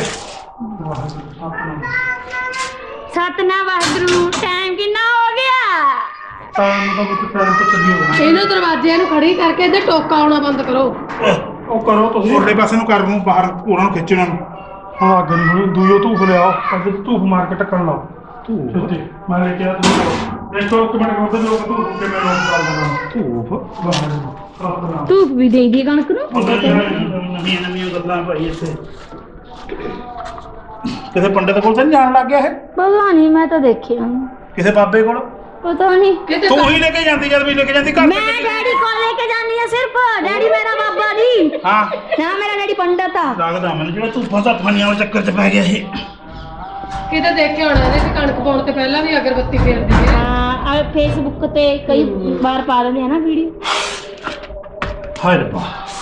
ਸਤਨਾ ਵਾਹਿਗੁਰੂ ਟਾਈਮ ਕਿੰਨਾ ਹੋ ਗਿਆ ਤਾਂ ਨੂੰ ਤਾਂ ਕੁਝ ਟਾਈਮ ਤੋਂ ਚੱਲੀ ਹੋ ਗਿਆ ਇਹਨੂੰ ਦਰਵਾਜ਼ਿਆਂ ਨੂੰ ਖੜੀ ਕਰਕੇ ਇਹਦੇ ਟੋਕਾ ਆਉਣਾ ਬੰਦ ਕਰੋ ਉਹ ਕਰੋ ਤੁਸੀਂ ਉਰਲੇ ਪਾਸੇ ਨੂੰ ਕਰ ਨੂੰ ਬਾਹਰ ਉਹਨਾਂ ਨੂੰ ਖਿੱਚਣਾ ਨੂੰ ਹੁਣ ਅੱਗੇ ਨੂੰ ਹੁਣ ਦੂਜੋ ਧੂਫ ਲਿਆਓ ਅੱਗੇ ਧੂਫ ਮਾਰ ਕੇ ਟੱਕਣ ਲਾਓ ਧੂਫ ਛੇਤੀ ਮੈਂ ਲੈ ਕੇ ਆ ਤੁਸੀਂ ਦੇਖੋ ਇੱਕ ਮਿੰਟ ਕਰਦੇ ਲੋਕ ਧੂਫ ਕਿਵੇਂ ਲੋਕ ਚੱਲ ਦੇਣਾ ਧੂਫ ਵਾਹਿਗੁਰੂ ਧੂਪ ਵੀ ਦੇ ਦੀ ਕਣਕ ਨੂੰ ਨਵੀਆਂ ਨਵੀਆਂ ਗੱਲਾਂ ਭਾਈ ਇੱਥੇ ਕਿਸੇ ਪੰਡਤ ਕੋਲ ਤਾਂ ਨਹੀਂ ਜਾਣ ਲੱਗ ਗਿਆ ਇਹ ਪਤਾ ਨਹੀਂ ਮੈਂ ਤਾਂ ਦੇਖਿਆ ਨੀ। ਕਿਸੇ ਬਾਬੇ ਕੋਲ ਪਤਾ ਨਹੀਂ ਕਿਤੇ ਤੂੰ ਹੀ ਲੈ ਕੇ ਜਾਂਦੀ ਜਦ ਵੀ ਲੈ ਕੇ ਜਾਂਦੀ ਘਰ ਮੈਂ ਡੈਡੀ ਕੋਲ ਲੈ ਕੇ ਜਾਂਦੀ ਆ ਸਿਰਫ ਡੈਡੀ ਮੇਰਾ ਬਾਬਾ ਜੀ ਹਾਂ ਨਾ ਮੇਰਾ ਡੈਡੀ ਪੰਡਤ ਆ ਲੱਗਦਾ ਮੈਨੂੰ ਜਿਹੜਾ ਤੂੰ ਫਸਾ ਫਾਨੀਆਂ ਵਾਲੇ ਚੱਕਰ 'ਚ ਪੈ ਗਿਆ ਇਹ ਕਿਤੇ ਦੇਖ ਕੇ ਆਉਣਾ ਇਹਦੇ ਤੇ ਕਣਕ ਪਾਉਣ ਤੇ ਪਹਿਲਾਂ ਵੀ ਅਗਰਬੱਤੀ ਫੇਰਦੀ ਹੈ ਹਾਂ ਆ ਫੇਸਬੁੱਕ ਤੇ ਕਈ ਵਾਰ ਪਾ ਦਿੰਦੇ ਆ ਨਾ ਵੀਡੀਓ ਹਾਏ ਰੱਬਾ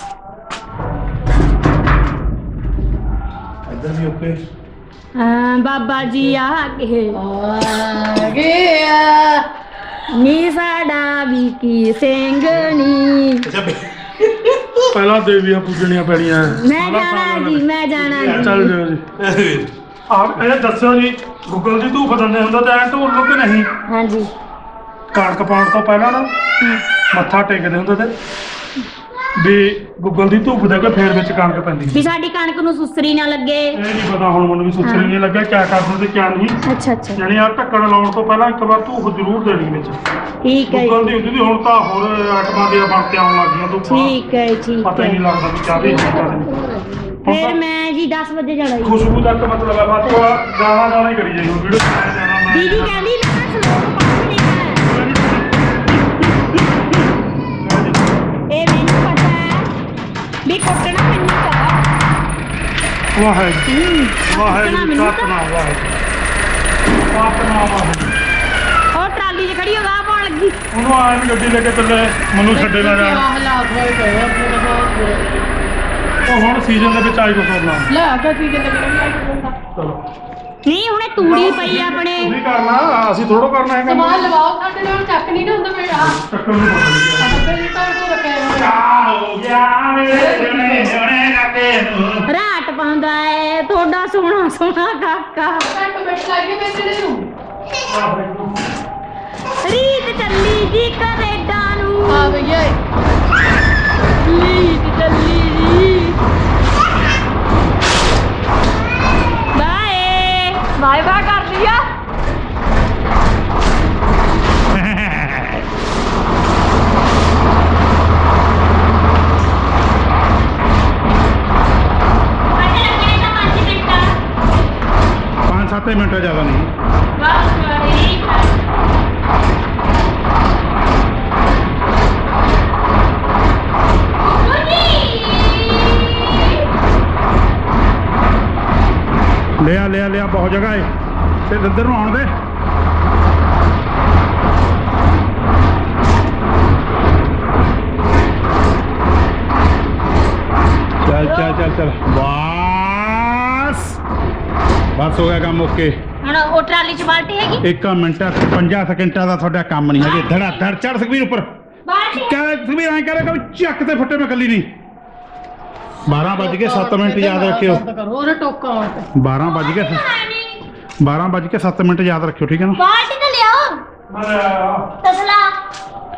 ਇੱਧਰ ਵੀ ਓਕੇ ਹਾਂ ਬਾਬਾ ਜੀ ਆ ਗਏ ਆ ਗਿਆ ਨੀ ਸਾਡਾ ਵੀ ਕੀ ਸਿੰਘਣੀ ਅੱਛਾ ਬੇ- ਪਹਿਲਾਂ ਦੇਵੀਆਂ ਪੂਜਣੀਆਂ ਪੈਣੀਆਂ ਮੈਂ ਜਾਣਾ ਜੀ ਮੈਂ ਜਾਣਾ ਚੱਲ ਜੀ ਜਾਓ ਜੀ ਆਪ ਇਹ ਦੱਸੋ ਜੀ ਗੂਗਲ ਦੀ ਧੂਫ ਦਿੰਦੇ ਹੁੰਦਾ ਤਾਂ ਐਂ ਢੋਲ ਲੋ ਕਿ ਨਹੀਂ ਹਾਂਜੀ ਕਣਕ ਪਾਉਣ ਤੋਂ ਪਹਿਲਾਂ ਨਾ ਮੱਥਾ ਟੇਕਦੇ ਹੁੰਦੇ ਤੇ ਵੀ ਗੂਗਲ ਦੀ ਧੂਫ ਦੇ ਕੇ ਫੇਰ ਵਿੱਚ ਕਣਕ ਪੈਂਦੀ ਵੀ ਸਾਡੀ ਕਣਕ ਨੂੰ ਸੁਸਰੀ ਨਾ ਲੱਗੇ ਇਹ ਨਹੀਂ ਪਤਾ ਹੁਣ ਮੈਨੂੰ ਵੀ ਸੁਸਰੀ ਨਹੀਂ ਲੱਗਿਆ ਕਿਆ ਕਰਦੇ ਤੇ ਕਿਆ ਨਹੀਂ ਅੱਛਾ ਅੱਛਾ ਯਾਨੀ ਆ ਢੱਕਣ ਲਾਉਣ ਤੋਂ ਪਹਿਲਾਂ ਇੱਕ ਵਾਰ ਧੂਫ ਜ਼ਰੂਰ ਦੇਣੀ ਵਿੱਚ ਠੀਕ ਹੈ ਗੂਗਲ ਜੀ, ਦੀ ਹੁੰਦੀ ਸੀ ਹੁਣ ਤਾਂ ਹੋਰ ਆਈਟਮਾਂ ਦੀਆਂ ਬਣ ਕੇ ਆਉਣ ਲੱਗੀਆਂ ਧੂਫਾਂ ਠੀਕ ਹੈ ਠੀਕ ਪਤਾ ਹੀ ਨਹੀਂ ਹੈ ਲੱਗਦਾ ਵੀ ਚਾਹਦੇ ਨਹੀਂ ਫਿਰ ਮੈਂ ਜੀ ਦਸ ਵਜੇ ਜਾਣਾ ਜੀ ਖੁਸ਼ਬੂ ਤੱਕ ਮਤਲਬ ਹੈ ਬਸ ਗਾਣਾ ਗਾਣਾ ਹੀ ਕਰੀ ਜਾਈਓ ਵੀਡੀਓ ਬਣਾਇਆ ਜਾਣਾ ਮੈਂ ਦੀਦੀ ਕਹਿੰਦੀ ਮੈਂ ਸਲੋਕ ਪੜ੍ਹਨੀ ਹੈ ਇਹ ਮੈਨੂੰ ਪਤਾ ਹੈ ਵੀ ਕੁੱਟਣਾ ਮੈਨੂੰ ਪਤਾ ਵਾਹਿਗੁਰੂ ਵਾਹਿਗੁਰੂ ਮੈਨੂੰ ਤਾਂ- ਸਤਨਾਮ ਵਾਹਿਗੁਰੂ ਸਤਨਾਮ ਵਾਹਿਗੁਰੂ ਉਹ ਟਰਾਲੀ 'ਚ ਖੜੀ ਹੋ ਗਾ ਪਾਉਣ ਲੱਗੀ ਉਹਨੂੰ ਆਇਆ ਵੀ ਗੱਡੀ ਲੈ ਕੇ ਚੱਲੇ ਮੈਨੂੰ ਛੱਡੇ ਨਾ ਜਾਣ ਹਾਲਾਤ ਹੋਏ ਪਏ ਆ ਆਪਣੇ ਤਾਂ ਬਹੁਤ ਬੁਰੇ। ਉਹ ਹੁਣ ਸੀਜ਼ਨ ਦੇ ਵਿੱਚ ਆਈ ਕੋ ਕਰਨਾ ਲੈ ਆ ਕੀ ਕਿਤੇ ਕਿਤੇ ਚਲੋ ਨਹੀਂ ਹੁਣੇ ਤੂੜੀ ਪਈ ਆ ਆਪਣੇ ਤੁਸੀਂ ਕਰਨਾ ਅਸੀਂ ਥੋੜੋ ਕਰਨਾ ਹੈਗਾ ਸਮਾਨ ਲਵਾਓ ਸਾਡੇ ਨਾਲ ਚੱਕ ਨਹੀਂ ਨਾ ਹੁੰਦਾ ਮੇਰਾ ਆ ਚੱਕਰ ਨੂੰ ਪਤਾ ਨਹੀਂ ਡੱਬੇ ਦੀ ਤਾਂ ਉਹ ਰੱਖਿਆ ਹੋਇਆ ਆ ਹੋ ਗਿਆ ਮੇਰੇ ਜਣੇ ਜਣੇ ਕਾਕੇ ਨੂੰ ਰਾਟ ਪਾਉਂਦਾ ਏ ਤੁਹਾਡਾ ਸੋਹਣਾ ਸੋਹਣਾ ਕਾਕਾ ਘੱਟ ਮਿੰਟ ਲੱਗੇ ਪੈਸੇ ਨੂੰ ਰੀਤ ਚੱਲੀ ਜੀ ਕੈਨੇਡਾ ਨੂੰ ਆ ਭਈਆ ਰੀਤ ਚੱਲੀ ਜੀ ਬਾਏ ਬਾਏ ਬਾਏ ਕਰ ਲਿਆ ਪੰਜ ਸੱਤ ਮਿੰਟ ਜ਼ਿਆਦਾ ਨਹੀਂ ਬਸ ਠੀਕ ਹੈ ਲਿਆ ਲਿਆ ਲਿਆ ਬਹੁਤ ਜਗ੍ਹਾ ਏ ਤੇ ਇੱਧਰ ਨੂੰ ਆਉਣ ਦੇ ਚੱਲ ਚੱਲ ਚੱਲ ਚੱਲ ਬਸ ਬਸ ਹੋ ਗਿਆ ਕੰਮ ਓਕੇ ਹੁਣ ਉਹ ਟਰਾਲੀ 'ਚ ਬਾਲਟੀ ਹੈਗੀ ਇੱਕ ਮਿੰਟ ਪੰਜਾਹ ਸਕਿੰਟਾਂ ਦਾ ਤੁਹਾਡਾ ਕੰਮ ਨਹੀਂ ਹਜੇ ਧੜਾ ਧੜ ਚੜ ਸੁਖਬੀਰ ਉੱਪਰ ਬਾਲਟੀ ਕਹਿ ਸੁਖਬੀਰ ਐਂ ਕਰੇ ਕਿ ਚੱਕ ਤੇ ਫੁੱਟੇ ਮੈਂ ਕੱਲੀ ਨਹੀਂ ਬਾਰਾਂ ਵੱਜ ਕੇ ਸੱਤ ਮਿੰਟ ਯਾਦ ਰੱਖਿਓ ਬੰਦ ਕਰੋ ਉਹਦਾ ਟੋਕਾ ਆਉਣ ਤੇ ਬਾਰਾਂ ਵੱਜ ਕੇ ਬਾਰਾਂ ਵੱਜ ਕੇ ਸੱਤ ਮਿੰਟ ਯਾਦ ਰੱਖਿਓ ਠੀਕ ਹੈ ਨਾ ਬਾਲਟੀ ਤਾਂ ਲਿਆਓ ਮੈਂ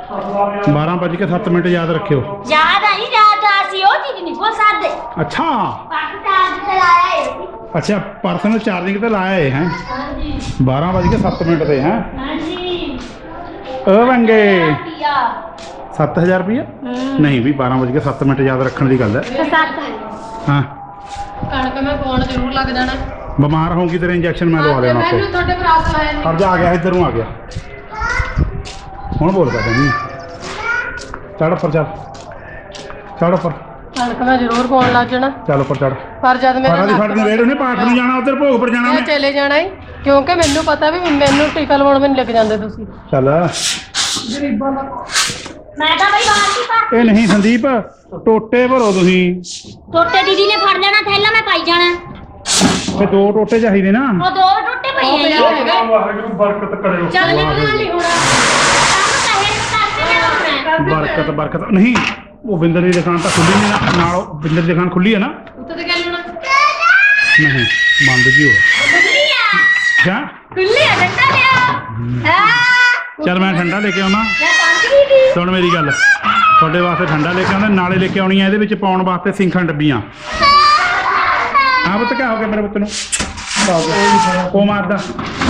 ਬਾਰਾਂ ਵੱਜ ਕੇ ਸੱਤ ਮਿੰਟ ਯਾਦ ਰੱਖਿਓ। ਯਾਦ ਆਈ ਯਾਦ ਆ ਸੀ ਉਹ ਚੀਜ਼ ਨਹੀਂ ਭੁੱਲ ਸਕਦੇ। ਅੱਛਾ ਪਰਸ ਚਾਰਜ ਤੇ ਲਾਇਆ ਏ। ਅੱਛਾ ਪਰਸਨਲ ਚਾਰਜਿੰਗ ਤੇ ਲਾਇਆ ਏ ਹੈ। ਹਾਂਜੀ ਬਾਰਾਂ ਵੱਜ ਕੇ ਸੱਤ ਮਿੰਟ ਤੇ ਹੈ। ਹਾਂਜੀ ਓ ਵੰਗੇ ਪੀਆ ਸੱਤ ਹਜ਼ਾਰ ਰੁਪਈਆ ਨਹੀਂ ਵੀ ਬਾਰਾਂ ਵੱਜ ਕੇ ਸੱਤ ਮਿੰਟ ਯਾਦ ਰੱਖਣ ਦੀ ਗੱਲ ਹੈ। ਸੱਤ ਹਾਂ ਕਣਕ ਮੈਂ ਪਾਉਣ ਜ਼ਰੂਰ ਲੱਗ ਜਾਣਾ। ਬਿਮਾਰ ਹੋਊਗੀ ਤੇਰੇ ਇੰਜੈਕਸ਼ਨ ਮੈਂ ਲਵਾ ਲੈਣਾ ਮੈਨੂੰ ਉੱਥੇ। ਤੁਹਾਡੇ ਭਰਾ ਲਾਇਆ ਨਹੀਂ। ਖਰਜਾ ਆ ਗਿਆ ਇੱਧਰ ਨੂੰ ਆ ਗਿਆ ਹੁਣ ਬੋਲ ਪਾ ਨਹੀਂ ਚੜ ਉੱਪਰ ਚੱਲ ਚੜ ਉੱਪਰ ਕਣਕ ਮੈਂ ਜ਼ਰੂਰ ਪਾਉਣ ਲੱਗ ਜਾਣਾ। ਚੱਲ ਉੱਪਰ ਚੜ ਪਰ ਜਦ ਮੇਰਾ ਸਾਰਾ ਦੀ ਫੜ ਨੂੰ ਵੇੜ ਉਹਨੇ ਪਾਠ ਨੂੰ ਜਾਣਾ ਉੱਧਰ ਭੋਗ ਪਰ ਜਾਣਾ ਮੈਂ ਉਹਨੇ ਚਲੇ ਜਾਣਾ ਹੀ ਕਿਉਂਕਿ ਮੈਨੂੰ ਪਤਾ ਵੀ ਮੈਨੂੰ ਟੀਕਾ ਲਵਾਉਣ ਮੈਨੂੰ ਲੱਗ ਜਾਂਦੇ ਤੁਸੀਂ। ਚੱਲ ਗਰੀਬਾਂ ਦਾ ਮੈਂ ਤਾਂ ਬਈ ਬਾਹਰ ਦੀ ਪਾ ਇਹ ਨਹੀਂ ਸੰਦੀਪ ਟੋਟੇ ਭਰੋ ਤੁਸੀਂ। ਟੋਟੇ ਦੀਦੀ ਨੇ ਫੜ ਲੈਣਾ ਥੈਲਾ ਮੈਂ ਪਾਈ ਜਾਣਾ। ਫੇ ਦੋ ਟੋਟੇ ਚਾਹੀਦੇ ਨਾ। ਉਹ ਦੋ ਟੋਟੇ ਪਈ ਉਹ ਆ ਪਿਆ ਜੀ। ਹੈਗਾ। ਵਾਹਿਗੁਰੂ ਬਰਕਤ ਕਰਿਓ। ਚੱਲ ਨਿਕਲ ਨਹੀਂ ਹੋਣਾ ਕੰਮ ਕਹੇ ਕਰਦੇ ਨੇ ਬਰਕਤ ਬਰਕਤ ਨਹੀਂ ਉਹ ਬਿੰਦਰ ਦੀ ਦੁਕਾਨ ਤਾਂ ਖੁੱਲੀ ਨਹੀਂ ਨਾ ਨਾਲ ਉਹ ਬਿੰਦਰ ਦੀ ਦੁਕਾਨ ਖੁੱਲੀ ਹੈ ਨਾ। ਉੱਤੇ ਤੇ ਗੱਲ ਹੋਣਾ ਨਹੀਂ ਬੰਦ ਜੀ ਹੋਇਆ ਖੁੱਲੀ ਆ ਕਿਆ ਖੁੱਲੀ ਆ ਡੰਡਾ ਲਿਆ ਹਾਂ ਚੱਲ ਮੈਂ ਠੰਡਾ ਲੈ ਕੇ ਆਉਣਾ। ਮੈਂ ਪੰਜ ਵੀ ਦੀ ਸੁਣ ਮੇਰੀ ਗੱਲ ਤੁਹਾਡੇ ਵਾਸਤੇ ਠੰਡਾ ਲੈ ਕੇ ਆਉਂਦਾ ਨਾਲੇ ਲੈ ਕੇ ਆਉਣੀ ਆ ਇਹਦੇ ਵਿੱਚ ਪਾਉਣ ਵਾਸਤੇ ਸਿੰਖਾਂ ਡੱਬੀਆਂ। ਹਾਂ ਪੁੱਤ ਕਿਆ ਹੋ ਗਿਆ ਮੇਰੇ ਪੁੱਤ ਨੂੰ ਉਹ ਮਾਰਦਾ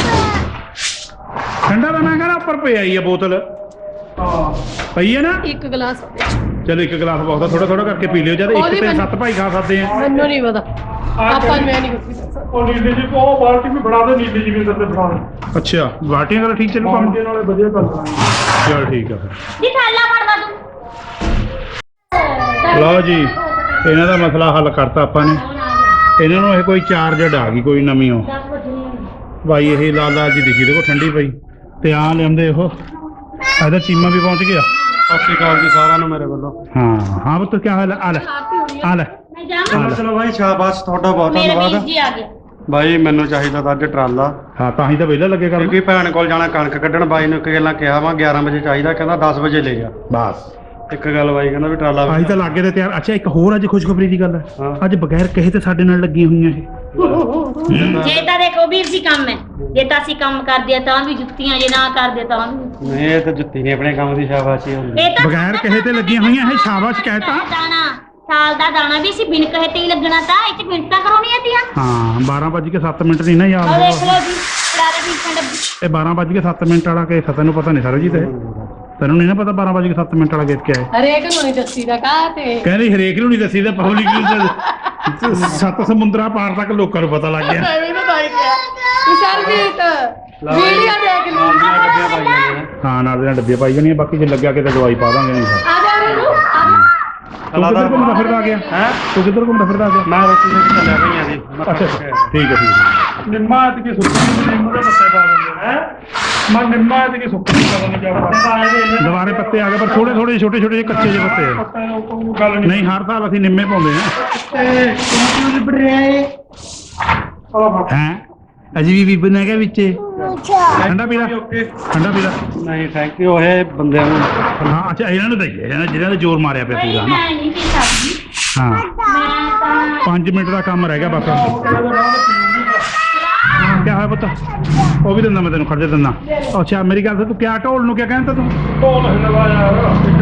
ਠੰਡਾ ਦਾ ਮੈਂ ਕਹਿੰਦਾ ਉੱਪਰ ਪਈ ਆਈ ਆ ਬੋਤਲ ਪਈ ਹੈ ਨਾ। ਇੱਕ ਗਲਾਸ ਚਲੋ ਇੱਕ ਗਲਾਸ ਬਹੁਤ ਆ ਥੋੜਾ ਥੋੜਾ ਕਰਕੇ ਪੀ ਲਿਓ ਜਦ ਇੱਕ ਉਹਦੀ ਤੇ ਮੈਨੂੰ- ਸੱਤ ਭਾਈ ਖਾ ਸਕਦੇ ਆ। ਮੈਨੂੰ ਨਹੀਂ ਪਤਾ ਆਪਾਂ ਨੂੰ ਮੈਂ ਨਹੀਂ ਕੁਝ ਉਹ ਨੀਲੇ ਜੀ ਉਹ ਬਾਲਟੀ ਵੀ ਫੜਾ ਦੇ ਨੀਲੇ ਜੀ ਵੀ ਅੰਦਰ ਤੇ ਫੜਾ ਦੇ। ਅੱਛਾ ਬਾਟੀਆਂ ਕਰ ਠੀਕ ਚੱਲੂ ਕੰਮ ਪਾਣੀ ਨਾਲੇ ਵਧੀਆ ਚੱਲ ਰਿਹਾ। ਚਲ ਠੀਕ ਆ ਫਿਰ ਦੀ ਥੈਲਾ ਫੜਦਾ ਤੂੰ ਲਓ ਜੀ ਇਹਨਾਂ ਦਾ ਮਸਲਾ ਹੱਲ ਕਰਤਾ ਆਪਾਂ ਨੇ। ਇਹਨਾਂ ਨੂੰ ਇਹ ਕੋਈ ਚਾਰਜਡ ਆ ਗਈ ਕੋਈ ਨਵੀਂ ਉਹ ਭਾਈ ਇਹ ਲਾਲ ਲਾਲ ਜੀ ਦਿਖੀ ਦੇਖੋ ਠੰਡੀ ਪਈ ਤੇ ਆ ਲਿਆਉਂਦੇ ਉਹ ਇਹਦਾ ਚੀਮਾ ਵੀ ਪਹੁੰਚ ਗਿਆ। ਸਤਿ ਸ਼੍ਰੀ ਅਕਾਲ ਜੀ ਸਾਰਿਆਂ ਨੂੰ ਮੇਰੇ ਵੱਲੋਂ। ਹਾਂ ਹਾਂ ਪੁੱਤ ਕੀ ਹਾਲ ਹੈ ਆ ਲੈ ਆ ਲੈ ਮੈਂ ਜਾਵਾਂ ਚਲੋ ਭਾਈ ਸ਼ਾਬਾਸ਼ ਤੁਹਾਡਾ ਬਹੁਤ ਮੇਰੇ ਵੀਰ ਧੰਨਵਾਦ। ਜੀ ਆ ਗਏ ਭਾਈ ਮੈਨੂੰ ਚਾਹੀਦਾ ਤਾਂ ਅੱਜ ਟਰਾਲਾ ਹਾਂ ਤਾਂ ਹੀ ਤਾਂ ਵਿਹਲਾ ਲੱਗੇ ਕਰਨ ਕਿਉਂਕਿ ਭੈਣ ਕੋਲ ਜਾਣਾ ਕਣਕ ਕੱਢਣ। ਬਾਈ ਨੂੰ ਇੱਕ ਗੱਲਾਂ ਕਿਹਾ ਵਾ ਗਿਆਰਾਂ ਵਜੇ ਚਾਹੀਦਾ ਕਹਿੰਦਾ ਦਸ ਵਜੇ ਲੈ ਜਾ। ਬਸ ਇੱਕ ਗੱਲ ਬਾਈ ਕਹਿੰਦਾ ਵੀ ਟਰਾਲਾ ਆਹੀ ਤਾਂ ਲਾਗੇ ਤੇ ਤਿਆਰ। ਅੱਛਾ ਇੱਕ ਹੋਰ ਅੱਜ ਖੁਸ਼ਖਬਰੀ ਦੀ ਗੱਲ ਹੈ ਹਾਂ। ਅੱਜ ਬਗੈਰ ਕਹੇ ਤੇ ਸਾਡੇ ਨਾਲ ਲੱਗੀਆਂ ਹੋਈਆਂ ਇਹ ਜੇ ਤਾਂ ਦੇਖੋ ਵੀਰ ਜੀ ਕੰਮ ਹੈ ਜੇ ਤਾਂ ਅਸੀਂ ਕੰਮ ਕਰਦੇ ਆ ਤਾਂ ਵੀ ਜੁੱਤੀਆਂ ਜੇ ਨਾ ਕਰਦੇ ਤਾਂ ਵੀ ਨਹੀਂ ਇਹ ਤਾਂ ਜੁੱਤੀ ਨਹੀਂ ਆਪਣੇ ਕੰਮ ਦੀ ਸ਼ਾਬਾਸ਼ੀ ਹੁੰਦੀ। ਇਹ ਤਾਂ ਬਗੈਰ ਕਹੇ ਤੇ ਲੱਗੀਆਂ ਹੋਈਆਂ ਇਹ ਸ਼ਾਬਾਸ਼ ਕਹਿਤਾ। ਦਾਣਾ ਸਾਲ ਦਾ ਦਾਣਾ ਵੀ ਅਸੀਂ ਬਿਨ ਕਹੇ ਤੇ ਹੀ ਲੱਗਣਾ ਤਾਂ ਇਹ ਚ ਮਿੰਟਾਂ ਕਰਾਉਣੀਆਂ ਤੀਆਂ। ਹਾਂ ਬਾਰਾਂ ਵੱਜ ਕੇ ਸੱਤ ਮਿੰਟ ਨਹੀਂ ਨਾ ਯਾਦ ਉਹ ਦੇਖ ਹੋਇਆ। ਲਓ ਜੀ ਕਰਾਰੇ ਵੀ ਡੱਬੀ ਇਹ ਬਾਰਾਂ ਵੱਜ ਕੇ ਸੱਤ ਮਿੰਟ ਵਾਲਾ ਕੇਸ ਤੈਨੂੰ ਪਤਾ ਨਹੀਂ ਸਰਵਜੀਤ ਇਹ ਤੈਨੂੰ ਨਹੀਂ ਨਾ ਪਤਾ ਬਾਰਾਂ ਵੱਜ ਕੇ ਸੱਤ ਮਿੰਟ ਵਾਲਾ ਕੇਸ ਕਿਆ ਹੈ। ਹਰੇਕ ਨੂੰ ਨਹੀਂ ਦੱਸੀ ਦਾ ਕਾ ਤੇ ਕਹਿੰਦੇ ਹਰੇਕ ਨੂੰ ਨਹੀਂ ਦੱਸੀ ਤਾਂ ਪਬਲਿਕ ਨੂੰ ਸੱਤ ਸਮੁੰਦਰਾਂ ਪਾਰ ਤੱਕ ਲੋਕਾਂ ਨੂੰ ਪਤਾ ਲੱਗ ਗਿਆ। ਐਵੇਂ ਨਾ ਬਾਈ ਕਿਹਾ ਸਰਜੀਤ ਵੀਡੀਓ ਦੇਖ ਲਈ ਨਾਲੀਆਂ ਕੱਢੀਆਂ ਪਾਈਆਂ ਨੇ। ਹਾਂ ਨਾਲ ਦੇ ਨਾਲ ਡੱਬੀਆਂ ਪਾਈ ਜਾਣੀਆਂ ਬਾਕੀ ਜੇ ਲੱਗਿਆ ਕਿਤੇ ਦਵਾਈ ਪਾ ਦਾਂਗੇ ਨਹੀਂ ਤਾਂ। ਆ ਜਾ ਰੂ ਤੂੰ ਕਿੱਧਰ ਘੁੰਮਦਾ ਫਿਰਦਾ ਆ ਗਿਆ ਹੈਂ? ਤੂੰ ਕਿੱਧਰ ਘੁੰਮਦਾ ਫਿਰਦਾ ਆ ਗਿਆ ਮੈਂ ਰੋਟੀ ਲੈ ਕੇ ਚੱਲਿਆ ਭਈਆਂ ਦੀ। ਅੱਛਾ ਅੱਛਾ, ਠੀਕ ਹੈ ਠੀਕ ਹੈ ਨਿੰਮਾ ਐਤ ਕੀ ਸੁੱਕੀ ਨਿੰਮੂ ਦੇ ਪੱਤੇ ਪਾ ਦਿੰਦੇ ਹੈ। ਮੈਂ ਨਿੰਮਾ ਐਤ ਕੀ ਸੁੱਕੀ ਪਤਾ ਨਹੀਂ ਕਿਆ ਪੱਤੇ ਪਾਏ ਦੇ ਇਹਨੇ। ਦੁਬਾਰੇ ਪੱਤੇ ਆ ਗਏ ਪਰ ਥੋੜੇ ਥੋੜੇ ਛੋਟੇ ਛੋਟੇ ਜਿਹੇ ਕੱਚੇ ਜਿਹੇ ਪੱਤੇ ਆ। ਪੱਤੇ ਨੂੰ ਕੋਈ ਗੱਲ ਨਹੀਂ। ਨਹੀਂ ਹਰ ਸਾਲ ਅਸੀਂ ਨਿੰਮੇ ਪਾਉਂਦੇ ਹਾਂ ਤੇ ਕਿਉਂ ਲਿਬੜ ਰਿਹਾ ਏ। ਆਹ ਬਾਤ ਹੈ ਅਜੀ ਵੀ ਬੀਬਨ ਹੈਗਾ ਵਿੱਚ ਠੰਡਾ ਪੀਲਾ ਓਕੇ। ਠੰਡਾ ਪੀਲਾ ਨਹੀਂ ਥੈਂਕ ਯੂ ਇਹ ਬੰਦਿਆਂ ਨੂੰ। ਹਾਂ ਅੱਛਾ ਇਹਨਾਂ ਨੂੰ ਦਈਏ ਇਹਨਾਂ ਜਿਹਨਾਂ ਨੇ ਜ਼ੋਰ ਮਾਰਿਆ ਪਿਆ ਭਾਈ ਪੂਰਾ ਮੈਂ ਨਹੀਂ ਪੀ ਸਕਦੀ ਹਾਂ ਮੈਂ ਤਾਂ ਪੰਜ ਮਿੰਟ ਦਾ ਕੰਮ ਰਹਿ ਗਿਆ ਬਸ ਕਿਆ ਹੋਇਆ ਪੁੱਤ ਉਹ ਵੀ ਦਿੰਦਾ ਮੈਂ ਤੈਨੂੰ ਖਰਚਾ ਦਿੰਦਾ। ਅੱਛਾ ਮੇਰੀ ਗੱਲ ਤੂੰ ਕਿਆ ਢੋਲ ਨੂੰ ਕਿਆ ਕਹਿੰਦਾ ਤੂੰ ਢੋਲ ਹਿਲਵਾ ਯਾਰ।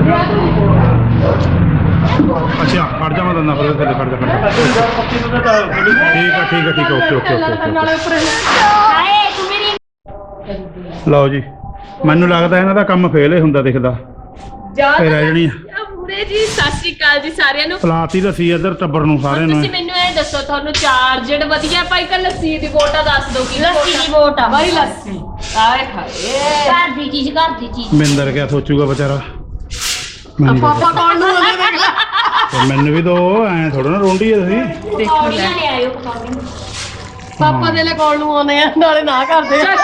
ਅੱਛਾ ਖੜ ਜਾ ਮੈਂ ਦਿੰਦਾ ਫਿਰ ਥੱਲੇ ਖੜ ਜਾ ਖੜ ਜਾ ਠੀਕ ਆ ਠੀਕ ਆ ਠੀਕ ਆ ਓਕੇ ਓਕੇ ਓਕੇ ਨਾਲੇ ਉੱਪਰ ਹਾਏ ਤੂੰ ਮੇਰੀ ਲਓ ਜੀ ਮੈਨੂੰ ਲੱਗਦਾ ਇਹਨਾਂ ਦਾ ਕੰਮ ਫੇਲ ਹੀ ਹੁੰਦਾ ਦਿਖਦਾ ਜਾ ਇਹ ਰਹਿ ਜਣੀ ਪੂਰੇ ਜੀ ਸਤਿ ਸ਼੍ਰੀ ਅਕਾਲ ਜੀ ਸਾਰਿਆਂ ਨੂੰ। ਪਲਾਤੀ ਦੱਸੀ ਇੱਧਰ ਟੱਬਰ ਨੂੰ ਸਾਰਿਆਂ ਨੂੰ ਤੁਸੀਂ ਮੈਨੂੰ ਇਹ ਦੱਸੋ ਤੁਹਾਨੂੰ ਚਾਰਜਡ ਵਧੀਆ ਪਾਈ ਕਿ ਲੱਸੀ ਦੀ ਬੋਟਾ ਦੱਸ ਦਿਓ ਕੀ ਲੱਸੀ ਦੀ ਵੋਟ ਆ ਬਾਈ ਲੱਸੀ ਆਏ ਹਾਏ ਘਰ ਦੀ ਚੀਜ਼ ਘਰ ਦੀ ਚੀਜ਼ ਮਿੰਦਰ ਕਿਆ ਸੋਚੂਗਾ ਵਿਚਾਰਾ ਮੈਨੂੰ ਪਾਪਾ ਕੌਣ ਨੂੰ ਉਹਨੇ ਦੇਖ ਲੈ ਤੇ ਮੈਨੂੰ ਵੀ ਦੋ ਐ ਥੋੜਾ ਨਾ ਰੋਂਡੀ ਐ ਤੁਸੀਂ ਦੇਖੋ ਪੌੜੀਆਂ ਲੈ ਲੈ ਆਇਓ ਪਕੌੜੀਆਂ ਪਾਪਾ ਦੇ ਲਈ ਕੌਣ ਨੂੰ ਆਉਂਦੇ ਆ ਨਾਲੇ ਨਾ ਕਰਦੇ ਆ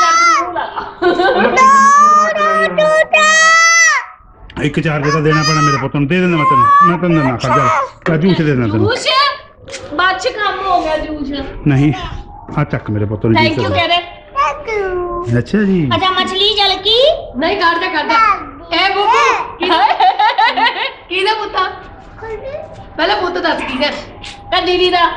ਇੱਕ ਚਾਰਜ ਤਾਂ ਦੇਣਾ ਪੈਣਾ ਮੇਰੇ ਪੁੱਤ ਨੂੰ ਦੇ ਦਿੰਦਾ ਮੈਂ ਤੈਨੂੰ ਮੈਂ ਤੈਨੂੰ ਦਿੰਦਾ ਖੜ ਜਾ ਆ ਜੂਸ ਦੇ ਦਿੰਦਾ ਤੈਨੂੰ ਜੂਸ ਬਾਅਦ ਚ ਕੰਮ ਹੋ ਗਿਆ ਜੂਸ ਨਹੀਂ ਆ ਚੱਕ ਮੇਰੇ ਪੁੱਤ ਨੂੰ ਥੈਂਕ ਯੂ ਜੂਸ ਕਹ ਰਹੇ ਦੇ ਅੱਛਾ ਜੀ ਅੱਛਾ ਮਛਲੀ ਜਲ ਕੀ ਨਹੀਂ ਕਰਦਾ ਕਰਦਾ ਇਹ ਬੁੱਤ ਕਿਹਦਾ ਪੁੱਤਾ ਪਹਿਲਾਂ ਪੁੱਤ ਦੱਸ ਕੀ ਹੈ ਤਾਂ ਦੀਦੀ ਦਾ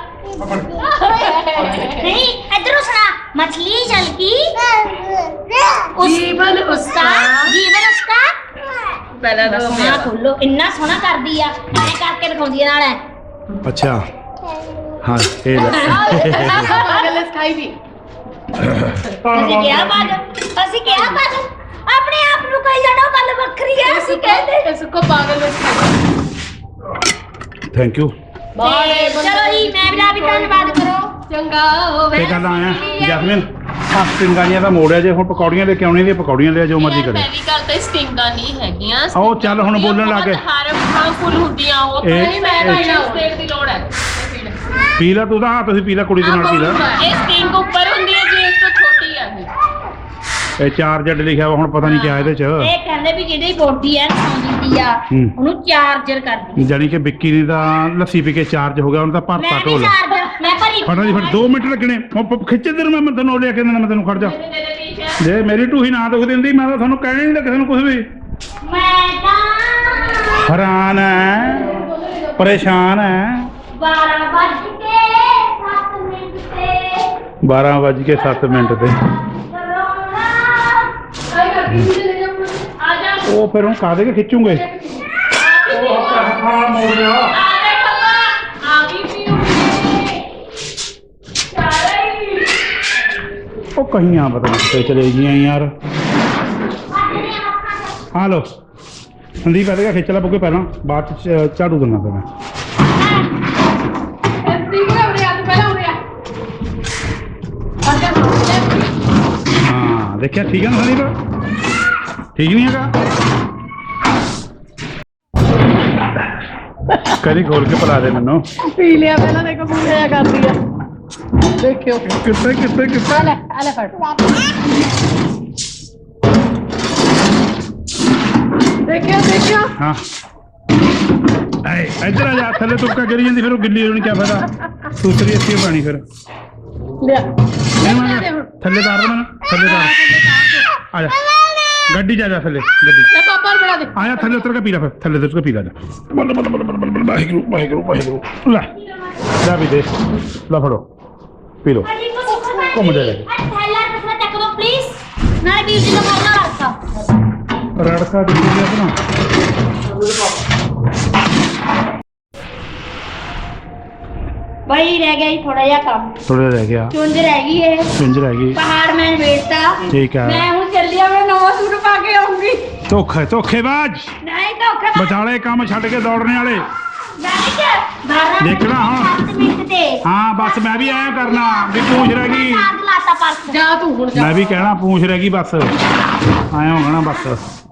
ਨਹੀਂ ਇਧਰੋਂ ਸੁਣਾ ਮछली जल की जीवन उसका जीवन उसका ਪਹਿਲਾਂ ਤਾਂ ਸੋਹਣਾ ਖੋਲੋ ਇੰਨਾ ਸੋਹਣਾ ਕਰਦੀ ਆ ਐ ਕਰਕੇ ਦਿਖਾਉਂਦੀ ਆ ਨਾਲ ਐ ਅੱਛਾ ਹਾਂ ਇਹ ਲੈ ਪਾਗਲ ਸਕਾਈ ਵੀ ਅਸੀਂ ਕਿਹਾ ਬਾਦ ਅਸੀਂ ਕਿਹਾ ਬਾਦ ਆਪਣੇ ਆਪ ਨੂੰ ਕਹੀ ਜਾਣਾ ਗੱਲ ਵੱਖਰੀ ਐ ਅਸੀਂ ਕਹਿੰਦੇ ਇਸ ਕੋ ਪਾਗਲ ਸਕਾਈ ਥੈਂਕ ਯੂ ਤੇ ਚਲੋ ਜੀ ਮੈਂ ਵੀ ਲਾ ਵੀ ਧੰਨਵਾਦ ਕਰੋ ਚੰਗਾ ਹੋਵੇ ਤੇ ਗੱਲ ਆਇਆ ਜੈਸਮੀਨ ਆ ਸਟਿੰਗਾਂ ਦਾ ਮੋੜਿਆ ਜੇ ਹੁਣ ਪਕੌੜੀਆਂ ਲੈ ਕੇ ਆਉਣੀ ਦੀ ਪਕੌੜੀਆਂ ਲਿਆ ਜੋ ਮਰਜ਼ੀ ਕਰੇ ਪਹਿਲੀ ਗੱਲ ਤਾਂ ਸਟਿੰਗਾਂ ਨਹੀਂ ਹੈਗੀਆਂ ਆਓ ਚੱਲ ਹੁਣ ਬੋਲਣ ਲੱਗ ਗਏ ਹਾਰਮਫੁਲ ਹੁੰਦੀਆਂ ਉਹ ਤਾਂ ਇਹ- ਨਹੀਂ ਮੈਂ ਇਹ- ਭਾਈ ਨਾਲ ਸਟੇਟ ਦੀ ਲੋੜ ਹੈ ਪੀ ਲੈ ਤੂੰ ਤਾਂ ਹਾਂ ਤੁਸੀਂ ਪੀ ਲੈ ਕੁੜੀ ਦੇ ਨਾਲ ਪੀ ਲੈ ਇਹ ਸਟਿੰਗ ਉੱਪਰ ਹੁੰਦੀ ਹੈ ਜੀ ਇਸ ਤੋਂ ਛੋਟੀ ਹੈ ਇਹ ਇਹ ਚਾਰਜਰ ਲਿਖਿਆ ਵਾ ਹੁਣ ਪਤਾ ਨਹੀਂ ਕਿਆ ਇਹਦੇ ਚ ਇਹ ਕਹਿੰਦੇ ਵੀ ਜਿਹੜੀ ਬੋਡੀ ਐ ਸੌਂਦੀ ਆ ਹੂੰ। ਉਹਨੂੰ ਚਾਰਜਰ ਕਰਦੀ ਜਾਨੀ ਕਿ ਵਿੱਕੀ ਨੇ ਤਾਂ ਲੱਸੀ ਪੀ ਕੇ ਚਾਰਜ ਹੋ ਗਿਆ ਹੁਣ ਤਾਂ ਭਰਤਾ ਮੈਂ ਵੀ ਢੋਲ ਚਾਰਜਰ ਮੈਂ ਭਰੀ ਫੜਾ ਜੀ ਫਿਰ ਦੋ ਮਿੰਟ ਲੱਗਣੇ ਉਹ ਖਿੱਚ ਦੇ ਮੈਂ ਮੈਂ ਤੈਨੂੰ ਲਿਆ ਕੇ ਦੇਣਾ ਮੈਂ ਤੈਨੂੰ ਖੜ ਜਾ ਜੇ ਮੇਰੀ ਢੂਹੀ ਨਾ ਦੁਖ ਦਿੰਦੀ ਮੈਂ ਤਾਂ ਤੁਹਾਨੂੰ ਕਹਿਣਾ ਨਹੀਂ ਤਾਂ ਕਿਸੇ ਨੂੰ ਕੁਝ ਵੀ ਮੈਂ ਤਾਂ ਹੈਰਾਨ ਹੈ ਪਰੇਸ਼ਾਨ ਹੈ ਬਾਰਾਂ ਵੱਜ ਕੇ ਸੱਤ ਮਿੰਟ ਤੇ ਬਾਰਾਂ ਵੱਜ ਕੇ ਸੱਤ ਮਿੰਟ ਤੇ ਕਰੋਨਾ ਆ ਜਾ ਉਹ ਫਿਰ ਹੁਣ ਕਾਹਦੇ ਕੇ ਖਿੱਚੂਗੇ ਹਾਂ ਮੋੜ ਗਿਆ ਆ ਦੇ ਪਪਾ ਆ ਵੀ ਪੀਉਂਗੇ ਚਾਰੇ ਉਹ ਕਹੀਆਂ ਪਤਾ ਨਹੀਂ ਕਿੱਥੇ ਚਲੇ ਗਈਆਂ ਯਾਰ ਹਾਂ ਲੋ ਸੰਦੀਪ ਇਹਦੇ ਕਾ ਖਿੱਚ ਲਾ ਬੁੱਗੇ ਪਹਿਲਾਂ ਬਾਅਦ ਚ ਝਾੜੂ ਦੇਣਾ ਪੈਣਾ ਐਸੀ ਕੋ ਉਰੇ ਆ ਤੂੰ ਪਹਿਲਾਂ ਉਰੇ ਆ ਆ ਜਾ ਹਾਂ ਦੇਖਿਆ ਠੀਕ ਹੈ ਨਾ ਸੰਦੀਪ ਠੀਕ ਨਹੀਂ ਹੈਗਾ ਕਦੀ ਖੋਲ ਕੇ ਪਿਲਾ ਦੇ ਮੈਨੂੰ ਪੀ ਲਿਆ ਪਹਿਲਾਂ ਦੇਖੋ ਪੂਰਾ ਕਰਦੀ ਆ ਦੇਖਿਓ ਕਿੱਥੇ ਕਿੱਥੇ ਕਿੱਥੇ ਆ ਲੈ ਆ ਲੈ ਫੜ ਦੇਖਿਓ ਦੇਖਿਓ ਹਾਂ ਐ ਇੱਧਰ ਆ ਜਾ ਥੱਲੇ ਤੁੱਕਾ ਕਰੀ ਜਾਂਦੀ ਫਿਰ ਉਹ ਗਿੱਲੀ ਹੋਣੀ ਕਿਆ ਫਾਇਦਾ ਦੂਸਰੀ ਅੱਛੀ ਪਾਣੀ ਫਿਰ ਲਿਆ ਨਹੀਂ ਮੈਂ ਥੱਲੇ ਤਾਰ ਦੇ ਮੈਨੂੰ ਥੱਲੇ ਤਾਰ ਆ ਜਾ ਗੱਡੀ ਜਾ ਜਾ ਥੱਲੇ ਗੱਡੀ ਲੈ ਪਾਪਾ ਨੂੰ ਬਣਾ ਦੇ ਆਇਆ ਥੱਲੇ ਉਤਰ ਕੇ ਪੀ ਲੈ ਫਿਰ ਥੱਲੇ ਉਤਰ ਕੇ ਪੀ ਲੈ ਜਾ ਬੱਲ ਬੱਲ ਬੱਲ ਬੱਲ ਬੱਲ ਵਾਹਿਗੁਰੂ ਵਾਹਿਗੁਰੂ ਵਾਹਿਗੁਰੂ ਲੈ ਲੈ ਵੀ ਦੇ ਲੈ ਫੜੋ ਪੀ ਲਓ ਘੁੰਮ ਜਾ ਜਾ ਥੈਲਾ ਕਿਸਮਤ ਚੱਕ ਦੋ ਪਲੀਜ਼ ਨਾਲ ਵੀਰ ਜੀ ਦਾ ਫੋਨ ਰੱਖਾ ਰੜਕਾ ਦਿੱਤੀ ਗਿਆ ਆਪਣਾ ਬਈ ਰਹਿ ਗਿਆ ਜੀ ਥੋੜਾ ਜਿਹਾ ਕੰਮ ਥੋੜਾ ਰਹਿ ਗਿਆ ਚੁੰਝ ਰਹਿ ਗਈ ਏ ਚੁੰਝ ਰਹਿ ਗਈ ਪਹਾੜ ਮੈਂ ਵੇਚਤਾ ਠੀਕ ਹੈ ਮੈਂ ਹੁਣ ਚੱਲੀ ਆ ਮੈਂ ਨਵਾਂ ਸੂਟ ਪਾ ਕੇ ਆਉਂਗੀ ਧੋਖੇ ਧੋਖੇਬਾਜ਼ ਨਹੀਂ ਧੋਖਾ ਵਿਚਾਲੇ ਕੰਮ ਛੱਡ ਕੇ ਦੌੜਨੇ ਵਾਲੇ ਨਹੀਂ ਦੇਖਣਾ ਹੁਣ। ਸੱਤ ਮਿੰਟ ਤੇ ਹਾਂ ਬਸ ਮੈਂ ਵੀ ਐਂ ਕਰਨਾ ਵੀ ਪੂੰਛ ਰਹਿ ਗਈ ਚਾਰਜ ਲਾਤਾ ਪਰਸ ਜਾ ਤੂੰ ਹੁਣ ਜਾ ਮੈਂ ਵੀ ਕਹਿਣਾ ਪੂੰਛ ਰਹਿ ਗਈ ਬਸ ਆਇਆ ਹੋਣਾ ਬਸ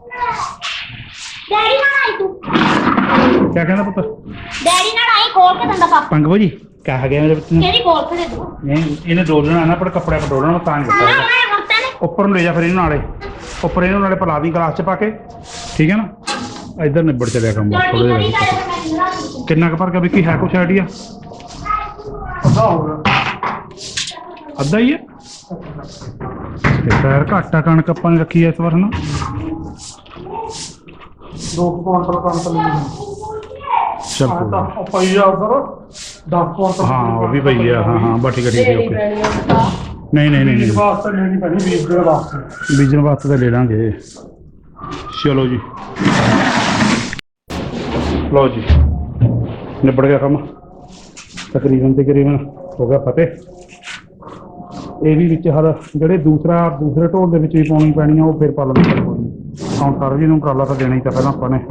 ਡੈਡੀ ਨਾਲ ਆਈ ਤੂੰ ਕਿਆ ਕਹਿੰਦਾ ਪੁੱਤ ਡੈਡੀ ਨਾਲ ਆਈ ਖੋਲ ਕੇ ਦੰਦਾ ਪਾਪਾ ਪੰਗ ਭਾਜੀ ਕਹਾ ਗਿਆ ਮੇਰੇ ਪੁੱਤ ਨੂੰ ਕਿਹੜੀ ਖੋਲ ਕੇ ਦੇ ਦੂੰ ਨਹੀਂ ਇਹਨੇ ਡੋਲਣਾ ਨਾ ਪਰ ਕੱਪੜੇ ਪਰ ਡੋਲਣਾ ਮੈਂ ਤਾਂ ਨਹੀਂ ਹਾਂ ਦਿੱਤਾ ਮੈਂ ਹੁਣ ਤਾਂ ਨੇ ਉੱਪਰ ਨੂੰ ਲੈ ਜਾ ਫਿਰ ਇਹਨੂੰ ਨਾਲੇ ਉੱਪਰ ਇਹਨੂੰ ਨਾਲੇ ਪਲਾ ਦੀ ਗਲਾਸ ਚ ਪਾ ਕੇ ਠੀਕ ਹੈ ਨਾ ਇੱਧਰ ਨਿਬੜ ਚਲਿਆ ਕੰਮ ਬਸ ਤੁਹਾਡੀ ਥੋੜੇ ਬੜੀ ਜਿਹਾ ਗੱਲ ਮੈਂ ਨਿਰਾ ਦੂੰ ਕਿੰਨਾ ਕੁ ਭਰ ਗਿਆ ਵਿੱਕੀ ਹੈ ਕੁਛ ਆਈਡੀਆ ਅੱਧਾ ਹੋ ਗਿਆ ਅੱਧਾ ਹੀ ਹੈ ਤੇ ਪੈਰ ਘਾਟਾ ਕਣਕ ਆਪਾਂ ਨੇ ਰੱਖੀ ਐ ਇਸ ਵਾਰ ਨਾ ਦੋ ਕੁਆਂਟਲ ਕਣਕ ਲਈ ਚੱਲ ਆ ਕੋਈ ਤਾਂ ਨੀ। ਉਹ ਪਈ ਆ ਉਧਰ ਦਸ ਕੁਆਂਟਲ ਹਾਂ ਉਹ ਵੀ ਪਈ ਆ ਹਾਂ ਹਾਂ ਬਾ ਠੀਕ ਹੈ ਠੀਕ ਹੈ ਤੇਰੀ ਓਕੇ ਪੈਣੀ ਆ ਨਹੀਂ ਨਹੀਂ ਨਹੀਂ ਬੀਜ ਨਹੀਂ ਵਾਸਤੇ ਲੈਣੀ ਪੈਣੀ ਬੀਜ ਦੇ ਵਾਸਤੇ ਬੀਜਣ ਵਾਸਤੇ ਤਾਂ ਲੈ ਲਾਂਗੇ ਚਲੋ ਜੀ ਲਓ ਜੀ ਨਿਬੜ ਗਿਆ ਕੰਮ ਤਕਰੀਬਨ ਤਕਰੀਬਨ ਹੋ ਗਿਆ ਫਤਿਹ ਇਹ ਵੀ ਵਿੱਚ ਹਰ ਜਿਹੜੇ ਦੂਸਰਾ ਦੂਸਰੇ ਢੋਲ ਦੇ ਵਿੱਚ ਵੀ ਪਾਉਣੀ ਪੈਣੀ ਆ ਉਹ ਫਿਰ ਪਾ ਲੈਣੀ ਪੈਣੀ ਹੁਣ ਸਰ ਜੀ ਨੂੰ ਉਪਰਾਲਾ ਤਾਂ ਦੇਣਾ ਹੀ ਤਾਂ ਪਹਿਲਾਂ ਆਪਾਂ ਨੇ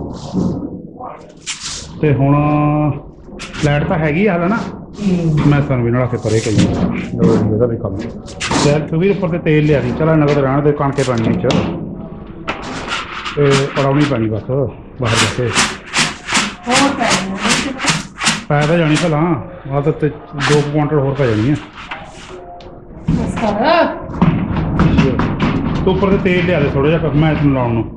ਤੇ ਹੁਣ ਲਾਈਟ ਤਾਂ ਹੈਗੀ ਆ ਹਾਲੇ ਨਾ ਮੈਂ ਸਾਨੂੰ ਵੀ ਨਲਾ ਕੇ ਪਰੇ ਕਹੀ ਇਹਦਾ ਵੀ ਕੰਮ ਯਾਰ ਤੂੰ ਵੀ ਉੱਪਰ ਤੇ ਤੇਲ ਲਿਆ ਦੀ ਚਲਾ ਨਗਦ ਰਹਿਣ ਦੇ ਕਣਕੇ ਪਾਣੀ ਵਿੱਚ ਤੇ ਪੜਾਉਣੀ ਪੈਣੀ ਬਸ ਬਾਹਰ ਜਾ ਕੇ ਹੋਰ ਪੈਣੀ ਆ ਪੈ ਤਾਂ ਜਾਣੀ ਭਲਾ ਆਹ ਤਾਂ ਤੇ ਦੋ ਕੁਆਂਟਲ ਹੋਰ ਪੈ ਜਾਣੀ ਆ ਬਸ ਕਰ ਤੂੰ ਉੱਪਰ ਤੇ ਤੇਲ ਲਿਆ ਦੇ ਥੋੜਾ ਜਿਹਾ ਮੈਂ ਇਸ ਨੂੰ ਲਾਉਣ ਨੂੰ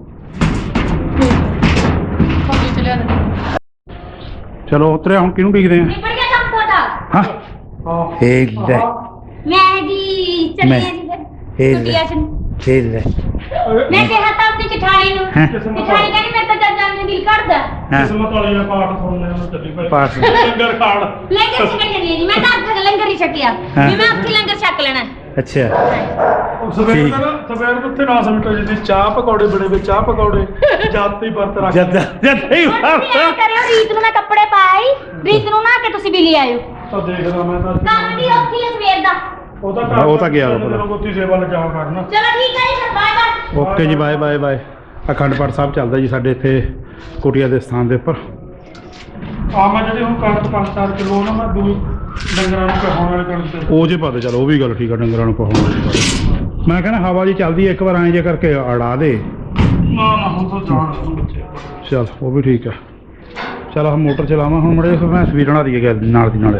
ਫੌਜੀ ਚਲਿਆ ਦੇ ਚਲੋ ਉਤਰਿਆ ਹੁਣ ਕਿਹਨੂੰ ਡੀਕਦੇ ਆ ਨਿਬੜ ਗਿਆ ਕੰਮ ਤੁਹਾਡਾ ਹਾਂ ਹਾਂ ਇਹ ਲੈ ਮੈਂ ਜੀ ਚੱਲੀ ਆ ਜੀ ਫਿਰ ਇਹ ਛੁੱਟੀਆਂ ਚ ਇਹ ਲੈ ਮੈਂ ਕਿਹਾ ਤਾਂ ਆਪਣੀ ਜਠਾਣੀ ਨੂੰ ਹੈਂ? ਜਠਾਣੀ ਕਹਿੰਦੀ ਮੇਰੇ ਤਾਂ ਜਦ ਜਾਣ ਨੂੰ ਦਿਲ ਕਰਦਾ ਕਿਸਮਤ ਵਾਲੇ ਦਾ ਪਾਠ ਸੁਣਨੇ ਨੂੰ ਚੱਲੀ ਭਾਈ ਪਾਠ। ਲੰਗਰ ਖਾਣ ਲੰਗਰ ਛਕਣ ਚੱਲੀ ਆ ਜੀ ਮੈਂ ਤਾਂ ਅੱਖ ਲੰਗਰ ਹੀ ਛਕਿਆ ਹਾਂ। ਵੀ ਮੈਂ ਅੱਖੀ ਲੰਗਰ ਛਕ ਲੈਣਾ ਅੱਛਾ ਉਹ ਸਵੇਰ ਠੀਕ। ਦਾ ਨਾ ਸਵੇਰ ਨੂੰ ਉੱਥੇ ਦਸ ਮਿੰਟ ਜਿੱਦੀ ਚਾਹ ਪਕੌੜੇ ਬਣੇ ਵੇ ਚਾਹ ਪਕੌੜੇ ਜਾਤੀ ਵਰਤ ਰੱਖ ਜਦ ਜਦ ਹੀ ਹੁਣ ਤੁਸੀਂ ਐਂ ਕਰਿਓ ਰੀਤ ਨੂੰ ਮੈਂ ਕੱਪੜੇ ਪਾਈ ਰੀਤ ਨੂੰ ਨਾ ਕੇ ਤੁਸੀਂ ਵੀ ਲੈ ਆਇਓ ਤਾਂ ਦੇਖਦਾ ਮੈਂ ਤਾਂ ਕੰਮ ਦੀ ਔਖੀ ਹੈ ਸਵੇਰ ਦਾ ਉਹ ਤਾਂ ਹਾਂ, ਉਹ ਤਾਂ ਗਿਆ ਵਾ ਭਲਾ। ਗੁੱਤੀ ਸੇਵਾ ਲਜਾਓ ਕਰਨਾ ਚਲੋ ਠੀਕ ਹੈ ਜੀ ਫਿਰ ਬਾਏ ਬਾਏ ਓਕੇ ਜੀ ਬਾਏ ਬਾਏ ਬਾਏ ਅਖੰਡ ਪਾਠ ਸਾਹਿਬ ਚੱਲਦਾ ਜੀ ਸਾਡੇ ਇੱਥੇ ਕੁਟੀਆ ਦੇ ਸਥਾਨ ਦੇ ਉੱਪਰ ਆ ਮੈਂ ਜਿਹੜੀ ਹੁਣ ਕਣਕ ਪੰਜ ਚਾਰ ਕਿਲੋ ਨਾ ਮੈਂ ਦੂਈ ਡੰਗਰਾਂ ਨੂੰ ਕਹਾਉਣ ਵਾਲੇ ਕਣਕ ਤੇ ਉਹ ਜੇ ਪਾ ਦੇ ਚਲੋ ਉਹ ਵੀ ਗੱਲ ਠੀਕ ਆ ਡੰਗਰਾਂ ਨੂੰ ਕਹਾਉਣ ਵਾਲੀ ਗੱਲ। ਮੈਂ ਕਹਿੰਦਾ ਹਵਾ ਜੀ ਚੱਲਦੀ ਹੈ ਇੱਕ ਵਾਰ ਐਂ ਜੇ ਕਰਕੇ ਅੜਾ ਦੇ ਨਾ ਨਾ ਹੁਣ ਤਾਂ ਜਾਣ ਨੂੰ ਬੱਚੇ ਚਲ ਉਹ ਵੀ ਠੀਕ ਆ ਚਲ ਆਹ ਮੋਟਰ ਚਲਾਵਾਂ ਹੁਣ ਮੜੇ ਫਿਰ ਮੈਂ ਸਵੀਰ ਬਣਾ ਦਈਏ ਗੈਸ ਦੀ ਨਾਲ ਦੀ ਨਾਲੇ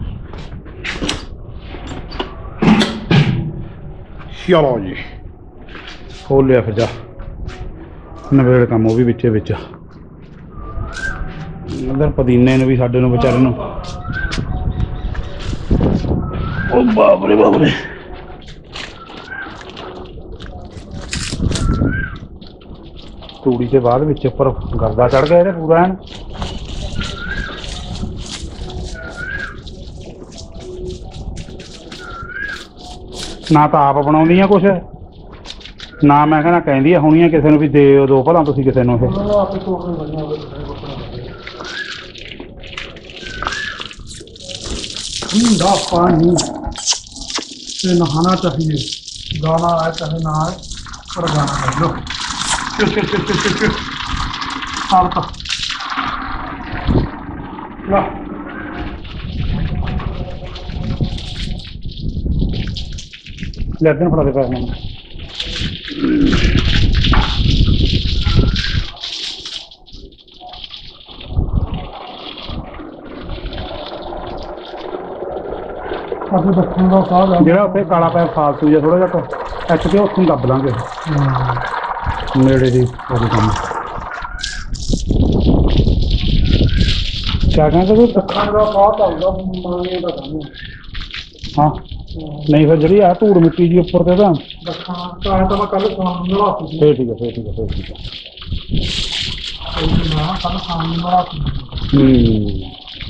ਚਲੋ ਜੀ ਖੋਲ ਲਿਆ ਫਿਰ ਜਾ ਨਵੇੜ ਕੰਮ ਉਹ ਵੀ ਵਿੱਚੇ ਵਿੱਚ ਅੰਦਰ ਪਦੀਨੇ ਨੂੰ ਵੀ ਸਾਡੇ ਨੂੰ ਵਿਚਾਰੇ ਨੂੰ ਉਹ ਬਾਪ ਰੇ ਬਾਪ ਰੇ ਤੂੜੀ ਦੇ ਬਾਅਦ ਵਿੱਚ ਉੱਪਰ ਗਰਦਾ ਚੜ ਗਿਆ ਇਹਦੇ ਪੂਰਾ ਐਨ ਨਾ ਤਾਂ ਆਪ ਬਣਾਉਂਦੀ ਆ ਕੁਛ ਨਾ ਮੈਂ ਕਹਿੰਦਾ ਕਹਿੰਦੀ ਆ ਹੋਣੀਆਂ ਕਿਸੇ ਨੂੰ ਵੀ ਦੇ ਦੋ ਭਲਾ ਤੁਸੀਂ ਕਿਸੇ ਨੂੰ ਇਹ ਉਹਨਾਂ ਆਪੇ ਤੋੜ ਕੇ ਬਣਿਆ ਹੋਵੇ ठंडा पानी से नहाना चाहिए गाना आए चाहे ना आए पर गाना कर लो चल चल चल चल चल चल साल का ला ਲੈਦਨ ਫੜਾ ਦੇ ਪੈਰ ਮੈਨੂੰ अपने दक्षिण का साल है ਜਿਹੜਾ ਉੱਥੇ ਕਾਲਾ ਪੈਰ ਫਾਲਤੂ ਜਿਹਾ ਥੋੜਾ ਜਿਹਾ ਇੱਥੇ ਤੇ ਉੱਥੋਂ ਦੱਬ ਲਾਂਗੇ ਨੇੜੇ ਦੀ ਉਹਦੇ ਕੰਮ ਕਿਆ ਕਹਿੰਦੇ ਤੂੰ दक्षिण का बहुत चलता मांगने का काम है ਹਾਂ ਨਹੀਂ ਫਿਰ ਜਿਹੜੀ ਆ ਧੂੜ ਮਿੱਟੀ ਜੀ ਉੱਪਰ ਤੇ ਤਾਂ दक्षिण का है तो मैं कल शाम में नहाती थी ਫੇਰ ਠੀਕ ਹੈ ਫੇਰ ਠੀਕ ਹੈ ਫੇਰ ਠੀਕ ਹੈ ना कल शाम में नहाती थी ਹੂੰ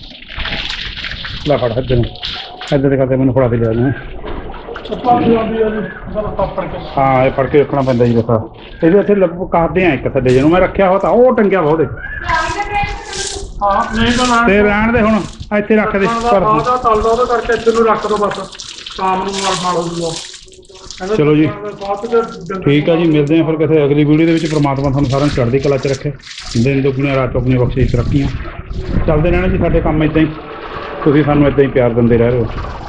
ਲੈ ਫੜ ਇੱਧਰ ਨੂੰ ਇੱਧਰ ਦੇ ਕਰਕੇ ਮੈਨੂੰ ਫੜਾ ਦੇ ਲਿਆ ਨੇ ਚੱਪਲ ਵੀ ਆਉਂਦੀ ਹੈ ਜੀ ਜਦ ਪਾਪੜ ਕੇ ਹਾਂ ਇਹ ਫੜ ਕੇ ਰੱਖਣਾ ਪੈਂਦਾ ਜੀ ਦੇਖਾ ਇਹਦੇ ਉੱਥੇ ਲੱਗ ਕਰਦੇ ਆ ਇੱਕ ਥੱਲੇ ਜਿਹਨੂੰ ਮੈਂ ਰੱਖਿਆ ਹੋ ਤਾਂ ਉਹ ਟੰਗਿਆ ਵਾ ਉਹਦੇ ਹਾਂ ਨਹੀਂ ਤਾਂ ਨਾ ਤੇ ਰਹਿਣ ਦੇ ਹੁਣ ਇੱਥੇ ਰੱਖ ਦੇ ਪਰ ਪਰ ਉਹਦਾ ਤਲਦਾ ਉਹਦੇ ਕਰਕੇ ਇੱਥੇ ਨੂੰ ਰੱਖ ਦੋ ਬਸ ਸ਼ਾਮ ਨੂੰ ਨਾਲ ਨਾਲ ਹੋ ਜੂਗਾ ਚਲੋ ਜੀ। ਠੀਕ ਆ ਜੀ ਮਿਲਦੇ ਆ ਫਿਰ ਕਿਸੇ ਅਗਲੀ ਵੀਡੀਓ ਦੇ ਵਿੱਚ ਪ੍ਰਮਾਤਮਾ ਤੁਹਾਨੂੰ ਸਾਰਿਆਂ ਨੂੰ ਚੜ੍ਹਦੀ ਕਲਾ 'ਚ ਰੱਖੇ ਦਿਨ ਦੁੱਗਣੀਆਂ ਰਾਤ ਚੌਗਣੀਆਂ ਬਖਸ਼ਿਸ਼ ਰੱਖੀਆਂ ਚੱਲਦੇ ਰਹਿਣਾ ਜੀ ਸਾਡੇ ਕੰਮ ਇੱਦਾਂ ਹੀ ਤੁਸੀਂ ਸਾਨੂੰ ਇੱਦਾਂ ਹੀ ਪਿਆਰ ਦਿੰਦੇ ਰਹਿ ਰਹੇ ਹੋ